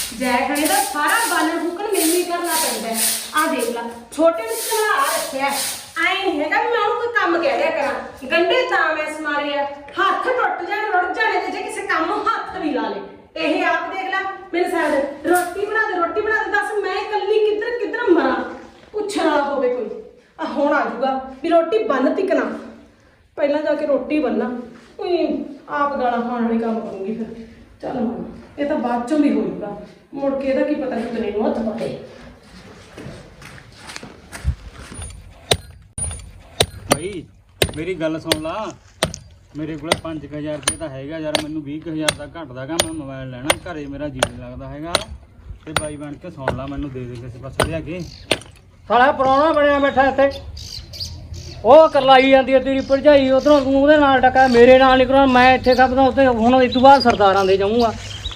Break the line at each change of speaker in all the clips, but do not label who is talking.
ਜੈ ਖੜੇ ਦਾ ਸਾਰਾ ਬਾਲਣ ਫੂਕਣ ਮੈਨੂੰ ਹੀ ਕਰਨਾ ਪੈਂਦਾ। ਆ ਦੇਖ ਲਾ ਛੋਟੇ ਨੂੰ ਚਲਾ ਆ ਰੱਖਿਆ ਐ ਨਹੀਂ ਹੈਗਾ ਵੀ ਮੈਂ ਉਹਨੂੰ ਕੋਈ ਕੰਮ ਕਹਿ ਦਿਆ ਕਰਾਂ। ਗੰਢੇ ਤਾਂ ਮੈਂ ਸਮਾਰਿਆ ਹੱਥ ਟੁੱਟ ਜਾਣ ਰੁੜ ਜਾਣੇ ਤੇ ਜੇ ਕਿਸੇ ਕੰਮ ਨੂੰ ਹੱਥ ਵੀ ਲਾ ਲੇ। ਇਹ ਆਪ ਦੇਖ ਲੈ ਮੇਰੇ ਸਾਥ ਰੋਟੀ ਬਣਾ ਦੇ ਦੱਸ ਮੈਂ ਇਕੱਲੀ ਕਿੱਧਰ ਕਿੱਧਰ ਮਰਾਂ ਪੁੱਛਣ ਵਾਲਾ ਹੋਵੇ ਕੋਈ। ਆ ਹੁਣ ਆ ਜਾਊਗਾ ਵੀ ਰੋਟੀ ਬੰਨ ਤਿਕਣਾ ਪਹਿਲਾਂ ਜਾ ਕੇ ਰੋਟੀ ਬੰਨਾ ਕੋਈ ਆਪ ਗਾਲਾਂ ਖਾਣ ਵਾਲੇ ਕੰਮ ਕਰੂੰਗੀ ਫਿਰ। ਚੱਲ ਹੁਣ ਇਹ ਤਾਂ ਬਾਅਦ ਚੋਂ ਵੀ ਹੋਊਗਾ ਮੁੜ ਕੇ ਇਹਦਾ ਕੀ ਪਤਾ ਕਿਤਨੇ ਨੂੰ ਹੱਥ ਪਾਏ।
ਭਾਈ ਮੇਰੀ ਗੱਲ ਸੁਣ ਲਾ, ਮੇਰੇ ਕੋਲ 5000 ਰੁਪਏ ਤਾਂ ਹੈਗਾ ਯਾਰ, ਮੈਨੂੰ 20000 ਦਾ ਘਟਦਾਗਾ। ਮੈਂ ਮੋਬਾਈਲ ਲੈਣਾ, ਘਰੇ ਮੇਰਾ ਜੀ ਨਹੀਂ ਲੱਗਦਾ ਹੈਗਾ ਤੇ ਬਾਈ ਬਣ ਕੇ ਸੁਣ ਲਾ, ਮੈਨੂੰ ਦੇ ਦੇ ਕਿਸੇ ਪਾਸੇ ਲਿਆ ਕੇ।
ਸਾਲਾ ਪ੍ਰਾਹੁਣਾ ਬਣਿਆ ਬੈਠਾ ਇੱਥੇ, ਉਹ ਕਰਲਾਈ ਜਾਂਦੀ ਹੈ ਤੇਰੀ ਭਰਜਾਈ, ਉਧਰੋਂ ਤੂੰ ਉਹਦੇ ਨਾਲ ਟੱਕਾ ਮੇਰੇ ਨਾਲ ਨਹੀਂ ਕਰਾਉਣਾ। ਮੈਂ ਇੱਥੇ ਖਪਦਾ ਉੱਥੇ, ਹੁਣ ਇਸ ਤੋਂ ਬਾਅਦ ਸਰਦਾਰਾਂ ਦੇ ਜਾਊਂਗਾ।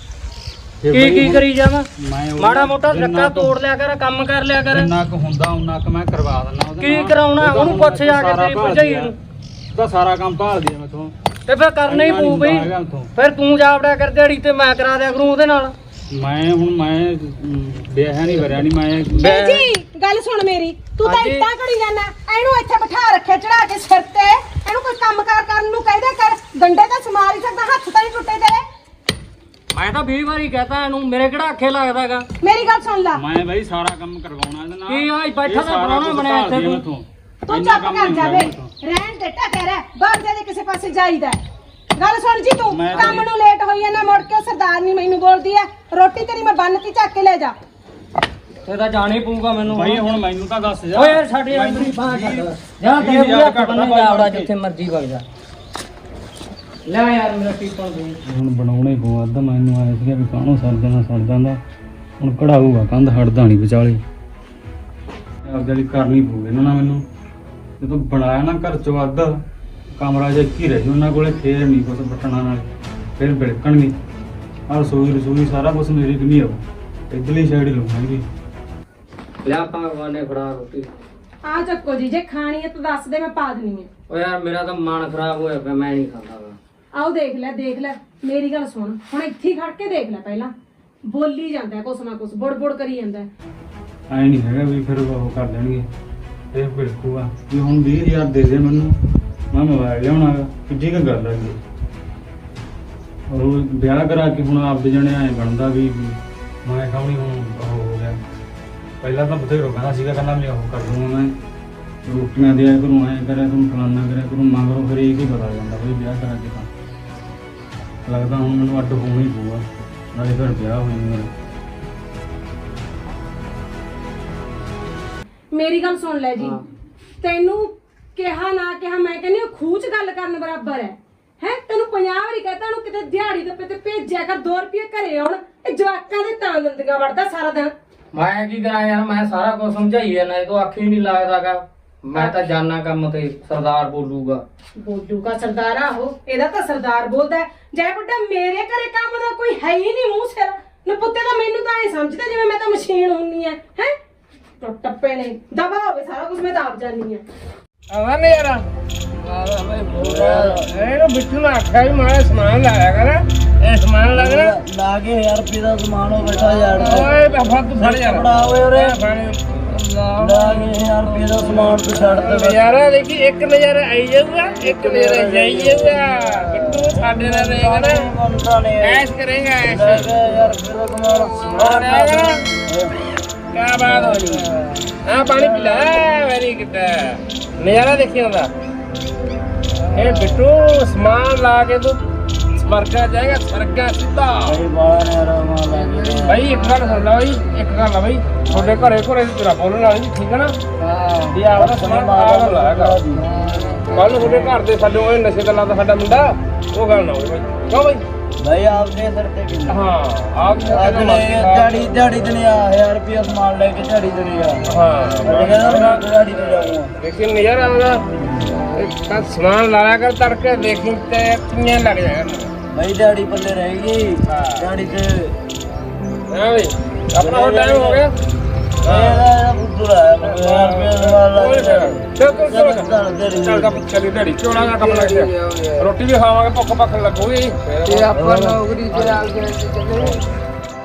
ਕੀ ਕਰੀ ਜਾਵਾਂ, ਮਾੜਾ ਮੋਟਾ ਧੱਕਾ ਤੋੜ ਲਿਆ ਕਰ, ਕੰਮ ਕਰ ਲਿਆ ਕਰ।
ਜਿੰਨਾ ਕੁ ਹੁੰਦਾ ਉਹਨਾਂ ਕੁ ਮੈਂ ਕਰਵਾ ਦਿੰਦਾ।
ਕੀ ਕਰਾਉਣਾ ਉਹਨੂੰ ਪੁੱਛ ਜਾ ਕੇ ਤੇਰੀ ਭਰਜਾਈ ਨੂੰ।
ਉਹਦਾ ਸਾਰਾ ਕੰਮ ਭਾਲਦੀ ਆ ਮੈਥੋਂ
ਤੇ ਫਿਰ ਕਰਨਾ ਹੀ ਪਊ ਬਈ। ਫਿਰ ਤੂੰ ਜਾਵੜਿਆ ਕਰ ਦਿਹਾੜੀ ਤੇ, ਮੈਂ ਕਰਾ ਦਿਆ ਕਰੂੰ ਉਹਦੇ ਨਾਲ।
ਮੈਂ ਵਿਆਹ ਨਹੀਂ ਵਰਿਆ ਨਹੀਂ ਮੈਂ।
ਜੀ ਗੱਲ ਸੁਣ ਮੇਰੀ, ਤੂੰ ਤਾਂ ਇੱਦਾਂ ਕਰੀ ਜਾਣਾ। ਇਹਨੂੰ ਇੱਥੇ ਬਿਠਾ ਰੱਖਿਆ ਚੜਾ ਕੇ ਸਿਰ ਤੇ, ਇਹਨੂੰ ਕੋਈ ਕੰਮਕਾਰ ਕਰਨ ਨੂੰ ਕਹਿ ਦਿਆ ਕਰ। ਗੰਡੇ ਤਾਂ ਸਮਾਰ ਹੀ ਸਕਦਾ, ਹੱਥ ਤਾਂ ਨਹੀਂ ਟੁੱਟੇ ਤੇਰੇ।
ਮੈਂ ਤਾਂ 20 ਵਾਰੀ ਕਹਤਾ ਇਹਨੂੰ, ਮੇਰੇ ਕਿਹੜਾ ਅੱਖੇ ਲੱਗਦਾਗਾ।
ਮੇਰੀ ਗੱਲ ਸੁਣ ਲੈ,
ਮੈਂ ਬਈ ਸਾਰਾ ਕੰਮ ਕਰਵਾਉਣਾ ਇਹਦੇ ਨਾਲ।
ਕੀ ਆ ਬੈਠਾ ਤਾਂ ਪ੍ਰਾਹੁਣਾ ਬਣਿਆ ਇੱਥੇ ਤੂੰ।
ਤੂੰ ਚੁੱਪ ਕਰ ਜਾਵੇ, ਰਹਿਣ ਦੇ ਟੱਕੇ ਰਹਿ, ਬਾਹਰ ਦੇ ਕਿਸੇ ਪਾਸੇ ਜਾਈਦਾ। ਗੱਲ ਸੁਣ ਜੀ, ਤੂੰ ਕੰਮ ਨੂੰ ਲੇਟ ਹੋਈ ਆ ਨਾ, ਮੁੜ ਕੇ ਸਰਦਾਰਨੀ ਮੈਨੂੰ ਬੋਲਦੀ ਆ। ਰੋਟੀ ਤੇਰੀ ਮੈਂ ਬੰਨ ਕੇ ਚੱਕ ਕੇ ਲੈ ਜਾ।
ਤੇ ਤਾਂ ਜਾਣਾ ਹੀ ਪਊਗਾ ਮੈਨੂੰ।
ਭਾਈ ਹੁਣ ਮੈਨੂੰ ਤਾਂ ਦੱਸ ਜਾ।
ਓਏ ਯਾਰ ਸਾਡੇ ਆਪਣੀ ਬਾਹ ਛੱਡ ਜਾਂ ਤੇ ਘੱਟ ਬੰਨੇ ਜਾਵੜਾ ਜਿੱਥੇ ਮਰਜ਼ੀ ਵਗ ਜਾ। ਲੈ ਯਾਰ ਮੇਰਾ ਟੀਪਣ ਦੇ
ਹੁਣ ਬਣਾਉਣਾ ਹੀ ਪਊ। ਅੱਧ ਮੈਨੂੰ ਆਇਆ ਸੀਗਾ ਵੀ ਕਾਹਨੂੰ ਸੜ ਜਾਂਦਾ ਹੁਣ ਕਢਾਊਗਾ, ਕੰਧ ਹਟਦਾ ਨਹੀਂ ਵਿਚਾਲੇ। ਆਪ ਜਿਹੜੀ ਕਰਨੀ ਪਊ ਇਹਨਾਂ ਨਾਲ ਮੈਨੂੰ। ਜਦੋਂ ਬਣਾਇਆ ਨਾ ਘਰ ਚੋਂ ਅੱਧ, ਕਮਰਾ ਜਿਹਾ ਇੱਕ ਹੀ ਰਹਿ ਜੂ ਉਹਨਾਂ ਕੋਲੇ, ਫੇਰ ਨਹੀਂ ਕੁਛ ਬਟਣਾ ਨਾਲ, ਫਿਰ ਬਿਲਕਣਗੇ। ਆਹ ਰਸੋਈ ਸਾਰਾ ਕੁਛ ਮੇਰੀ ਕਿ ਨਹੀਂ ਆਉ, ਇੱਧਰਲੀ ਸਾਈਡ ਹੀ ਲਊਂਗੀ।
ਲਿਆ ਭਗਵਾਨੇ ਫੜਾ ਰੋਟੀ।
ਆ ਚੱਕੋ ਜੀ, ਜੇ ਖਾਣੀ ਹੈ ਤਾਂ ਦੱਸ ਦੇ, ਮੈਂ ਪਾ ਦੇਣੀ ਹੈ।
ਓ ਯਾਰ ਮੇਰਾ ਤਾਂ ਮਨ ਖਰਾਬ ਹੋਇਆ ਪਿਆ, ਮੈਂ ਨਹੀਂ ਖਾਂਦਾ ਗਾ।
ਆਓ ਦੇਖ ਲੈ ਮੇਰੀ ਗੱਲ ਸੁਣ, ਹੁਣ ਇੱਥੇ ਹੀ ਖੜ ਕੇ ਦੇਖ ਲੈ। ਪਹਿਲਾਂ ਬੋਲੀ ਜਾਂਦਾ ਕੁਛ ਨਾ ਕੁਛ, ਬੁੜ ਕਰੀ ਜਾਂਦਾ।
ਐ ਨਹੀਂ ਹੈਗਾ ਵੀ ਫਿਰ ਉਹ ਕਰ ਦੇਣਗੇ, ਇਹ ਬਿਲਕੂਗਾ ਵੀ ਹੁਣ 20000 ਦੇ ਦੇ ਮੈਨੂੰ, ਮੈਂ ਮੋਬਾਈਲ ਲਿਆਉਣਾ ਗਾ। ਕਿੱਡੀ ਕੁ ਗੱਲ ਹੈਗੀ। ਉਹ ਵਿਆਹ ਕਰਾ ਕੇ ਹੁਣ ਆਪਦੇ ਜਣੇ ਐਂ ਬਣਦਾ ਵੀ ਮੈਂ ਖਾਉਣੀ ਹੁਣ ਉਹ ਹੋ ਗਿਆ। ਪਹਿਲਾਂ ਤਾਂ ਬਥੇਰੋ ਕਹਿੰਦਾ ਸੀਗਾ, ਕਹਿੰਦਾ ਮੈਂ ਉਹ ਕਰ ਦੂੰਗਾ, ਮੈਂ ਰੋਟੀਆਂ ਦਿਆ ਕਰੂੰ, ਐਂ ਕਰਿਆ ਕਰੂੰ, ਫਲਾਨਾ ਕਰਿਆ ਕਰੂੰ। ਮਗਰੋਂ ਫਿਰ ਇਹ ਕੀ ਪਤਾ ਜਾਂਦਾ ਬਈ ਵਿਆਹ ਕਰਾ ਕੇ ਤਾਂ ਲੱਗਦਾ ਹੁਣ ਮੈਨੂੰ ਅੱਡ ਹੋਣਾ ਹੀ ਪਊਗਾ, ਨਾਲੇ ਫਿਰ ਵਿਆਹ ਹੋਇਆ ਮੇਰਾ।
ਮੇਰੀ ਗੱਲ ਸੁਣ ਲੈ ਜੀ, ਤੈਨੂੰ ਕਿਹਾ ਨਾ ਕਿਹਾ, ਮੈਂ ਕਹਿੰਦੀ ਖੂਹ ਚ ਗੱਲ ਕਰਨ ਬਰਾਬਰ ਹੈ। ਤੈਨੂੰ 50 ਵਾਰੀ ਕਹਤਾ ਉਹਨੂੰ ਕਿਤੇ ਦਿਹਾੜੀ ਤੇ ਭੇਜਿਆ ਕਰ, 2 ਰੁਪਏ ਘਰੇ ਆਉਣ। ਇਹ ਜਵਾਕਾਂ ਦੇ ਤਾਂ ਦੰਦੀਆਂ ਵੜਦਾ ਸਾਰਾ ਦਿਨ।
ਮੈਂ ਕੀ ਕਰਾਂ ਯਾਰ, ਮੈਂ ਸਾਰਾ ਕੁਝ ਸਮਝਾਈ ਜਾਂਦਾ, ਇਹ ਤੋਂ ਅੱਖ ਹੀ ਨਹੀਂ ਲੱਗਦਾਗਾ। ਮੈਂ ਤਾਂ ਜਾਨਾ ਕੰਮ ਤੇ, ਸਰਦਾਰ ਬੋਲੂਗਾ
ਸਰਦਾਰ ਆਹੋ, ਇਹਦਾ ਤਾਂ ਸਰਦਾਰ ਬੋਲਦਾ। ਜੈ ਬੁੱਢਾ ਮੇਰੇ ਘਰੇ ਕੰਮ ਦਾ ਕੋਈ ਹੈ ਹੀ ਨਹੀਂ ਮੂੰਹ ਸਿਰ। ਨਪੁੱਤੇ ਤਾਂ ਮੈਨੂੰ ਤਾਂ ਇਹ ਸਮਝਦੇ ਜਿਵੇਂ ਮੈਂ ਤਾਂ ਮਸ਼ੀਨ ਹੁੰਨੀ ਹੈ। ਟੱਪੇ ਨੇ ਦਬਾ ਹੋਵੇ ਸਾਰਾ ਕੁਝ, ਮੈਂ ਤਾਂ ਆਪ ਜਾਣੀ ਆ।
ਆਵਾ ਨੇ ਯਾਰ ਇਹਨੂੰ ਬਿੱਟੂ ਨੇ ਆਖਿਆ ਵੀ ਮਾੜਾ ਸਮਾਨ ਲਾਇਆ ਕਰ, ਇਹ ਸਮਾਨ ਲੱਗਣਾ
ਲਾ ਕੇ 1000 ਰੁਪਏ ਦਾ ਸਮਾਨ ਹੋ ਬੈਠਾ ਯਾਰ।
ਓਏ ਬਾਬਾ ਤੂੰ ਫੜ ਯਾਰ,
ਬੜਾ ਓਏ ਉਰੇ ਲਾ
ਪਾਣੀ
ਕੇ 1000 ਰੁਪਏ ਦਾ ਸਮਾਨ ਤੂੰ ਛੱਡ ਦੇ
ਨਜ਼ਾਰਾ ਦੇਖੀ। ਇੱਕ ਨਜ਼ਾਰਾ ਆਈ ਜਾਊਗਾ, ਇੱਕ ਨਜ਼ਾਰਾ ਜਾਈ ਜਾਊਗਾ। ਬਿੱਟੂ ਸਾਡੇ ਨਾਲ ਰਹੇਗਾ ਨਾ,
ਮੰਨਦਾ ਨੇ
ਐਸ਼ ਕਰੇਗਾ ਐਸ਼।
1000 ਰੁਪਏ ਦਾ ਸਮਾਨ
ਕਿਆ ਬਾਤ ਹੋ ਗਈ। ਆ ਪਾਣੀ ਪੀ ਲੈ, ਵੈਰੀ ਗੁੱਡ। ਨਜ਼ਾਰਾ ਦੇਖੀ ਹੁੰਦਾ ਇਹ ਬਿੱਟੂ, ਸਮਾਨ ਲਾ ਕੇ ਤੂੰ ਸਵਰਗਾ ਜਾਏਗਾ, ਸਵਰਗਾ ਸਿੱਧਾ।
ਭਾਈ ਬਾਲਾ ਨੇ ਆਰਾਮ ਲਾ ਕੇ
ਭਾਈ ਇੱਕ ਗੱਲ ਸੁਣ ਲੈ, ਇੱਕ ਗੱਲ ਆ ਬਈ, ਤੁਹਾਡੇ ਘਰੇ ਤੇਰਾ ਬੋਲਣ ਵਾਲੀ ਠੀਕ ਹੈ ਨਾ।
ਹਾਂ
ਵੀ ਆਪਦਾ ਸਮਾਨ ਆਪ ਲਾਇਆ ਕਰ। ਕੱਲ ਨੂੰ ਤੁਹਾਡੇ ਘਰ ਦੇ ਸਾਡੇ ਉਹ ਨਸ਼ੇ ਗੱਲਾਂ ਦਾ ਸਾਡਾ ਮੁੰਡਾ, ਉਹ ਗੱਲ ਨਾ ਹੋਵੇ ਬਈ। ਕਿਉਂ ਬਈ?
ਭਾਈ ਆਪਦੇ ਸਿਰ ਤੇ ਕਿੰਨਾ
ਹਾਂ ਆਪ
ਦਿਹਾੜੀ ਤੇ ਨਹੀਂ ਆ 1000 ਰੁਪਏ ਸਮਾਨ ਲੈ ਕੇ ਦਿਹਾੜੀ ਤੇ ਨਹੀਂ ਆ।
ਹਾਂ
ਕਹਿੰਦਾ ਦਿਹਾੜੀ ਤੇ ਜਾਊਂਗਾ।
ਲੇਕਿਨ ਨਜ਼ਾਰਾ ਆਉਂਦਾ, ਸਮਾਨ ਲਾਇਆ ਕਰ ਤੜਕੇ, ਦੇਖੀ ਤੇ ਕਿੰਨੇ ਲੱਗ ਜਾਏਗਾ।
ਭਾਈ ਦਿਹਾੜੀ ਪੱਲੇ ਰਹੇਗੀ ਦਿਹਾੜੀ ਤੇ।
ਹਾਂ ਬਈ ਆਪਣਾ ਹੋਰ ਟਾਈਮ ਹੋ ਗਿਆ।
ਇਹਦਾ ਬੁੱਧੂ ਆਇਆ 1000 ਰੁਪਏ ਸਮਾਨ ਲਾ ਕੇ
ਚੱਲ ਚੱਲੀ ਢੜੀ ਚੋਣਾ ਦਾ ਕੰਮ ਲੱਗ ਗਿਆ। ਰੋਟੀ ਵੀ ਖਾਵਾਂਗੇ, ਭੁੱਖ ਲੱਗੂਗੀ।
ਤੇ ਆਪਾਂ ਨੌਕਰੀ ਤੇ ਆ ਗਏ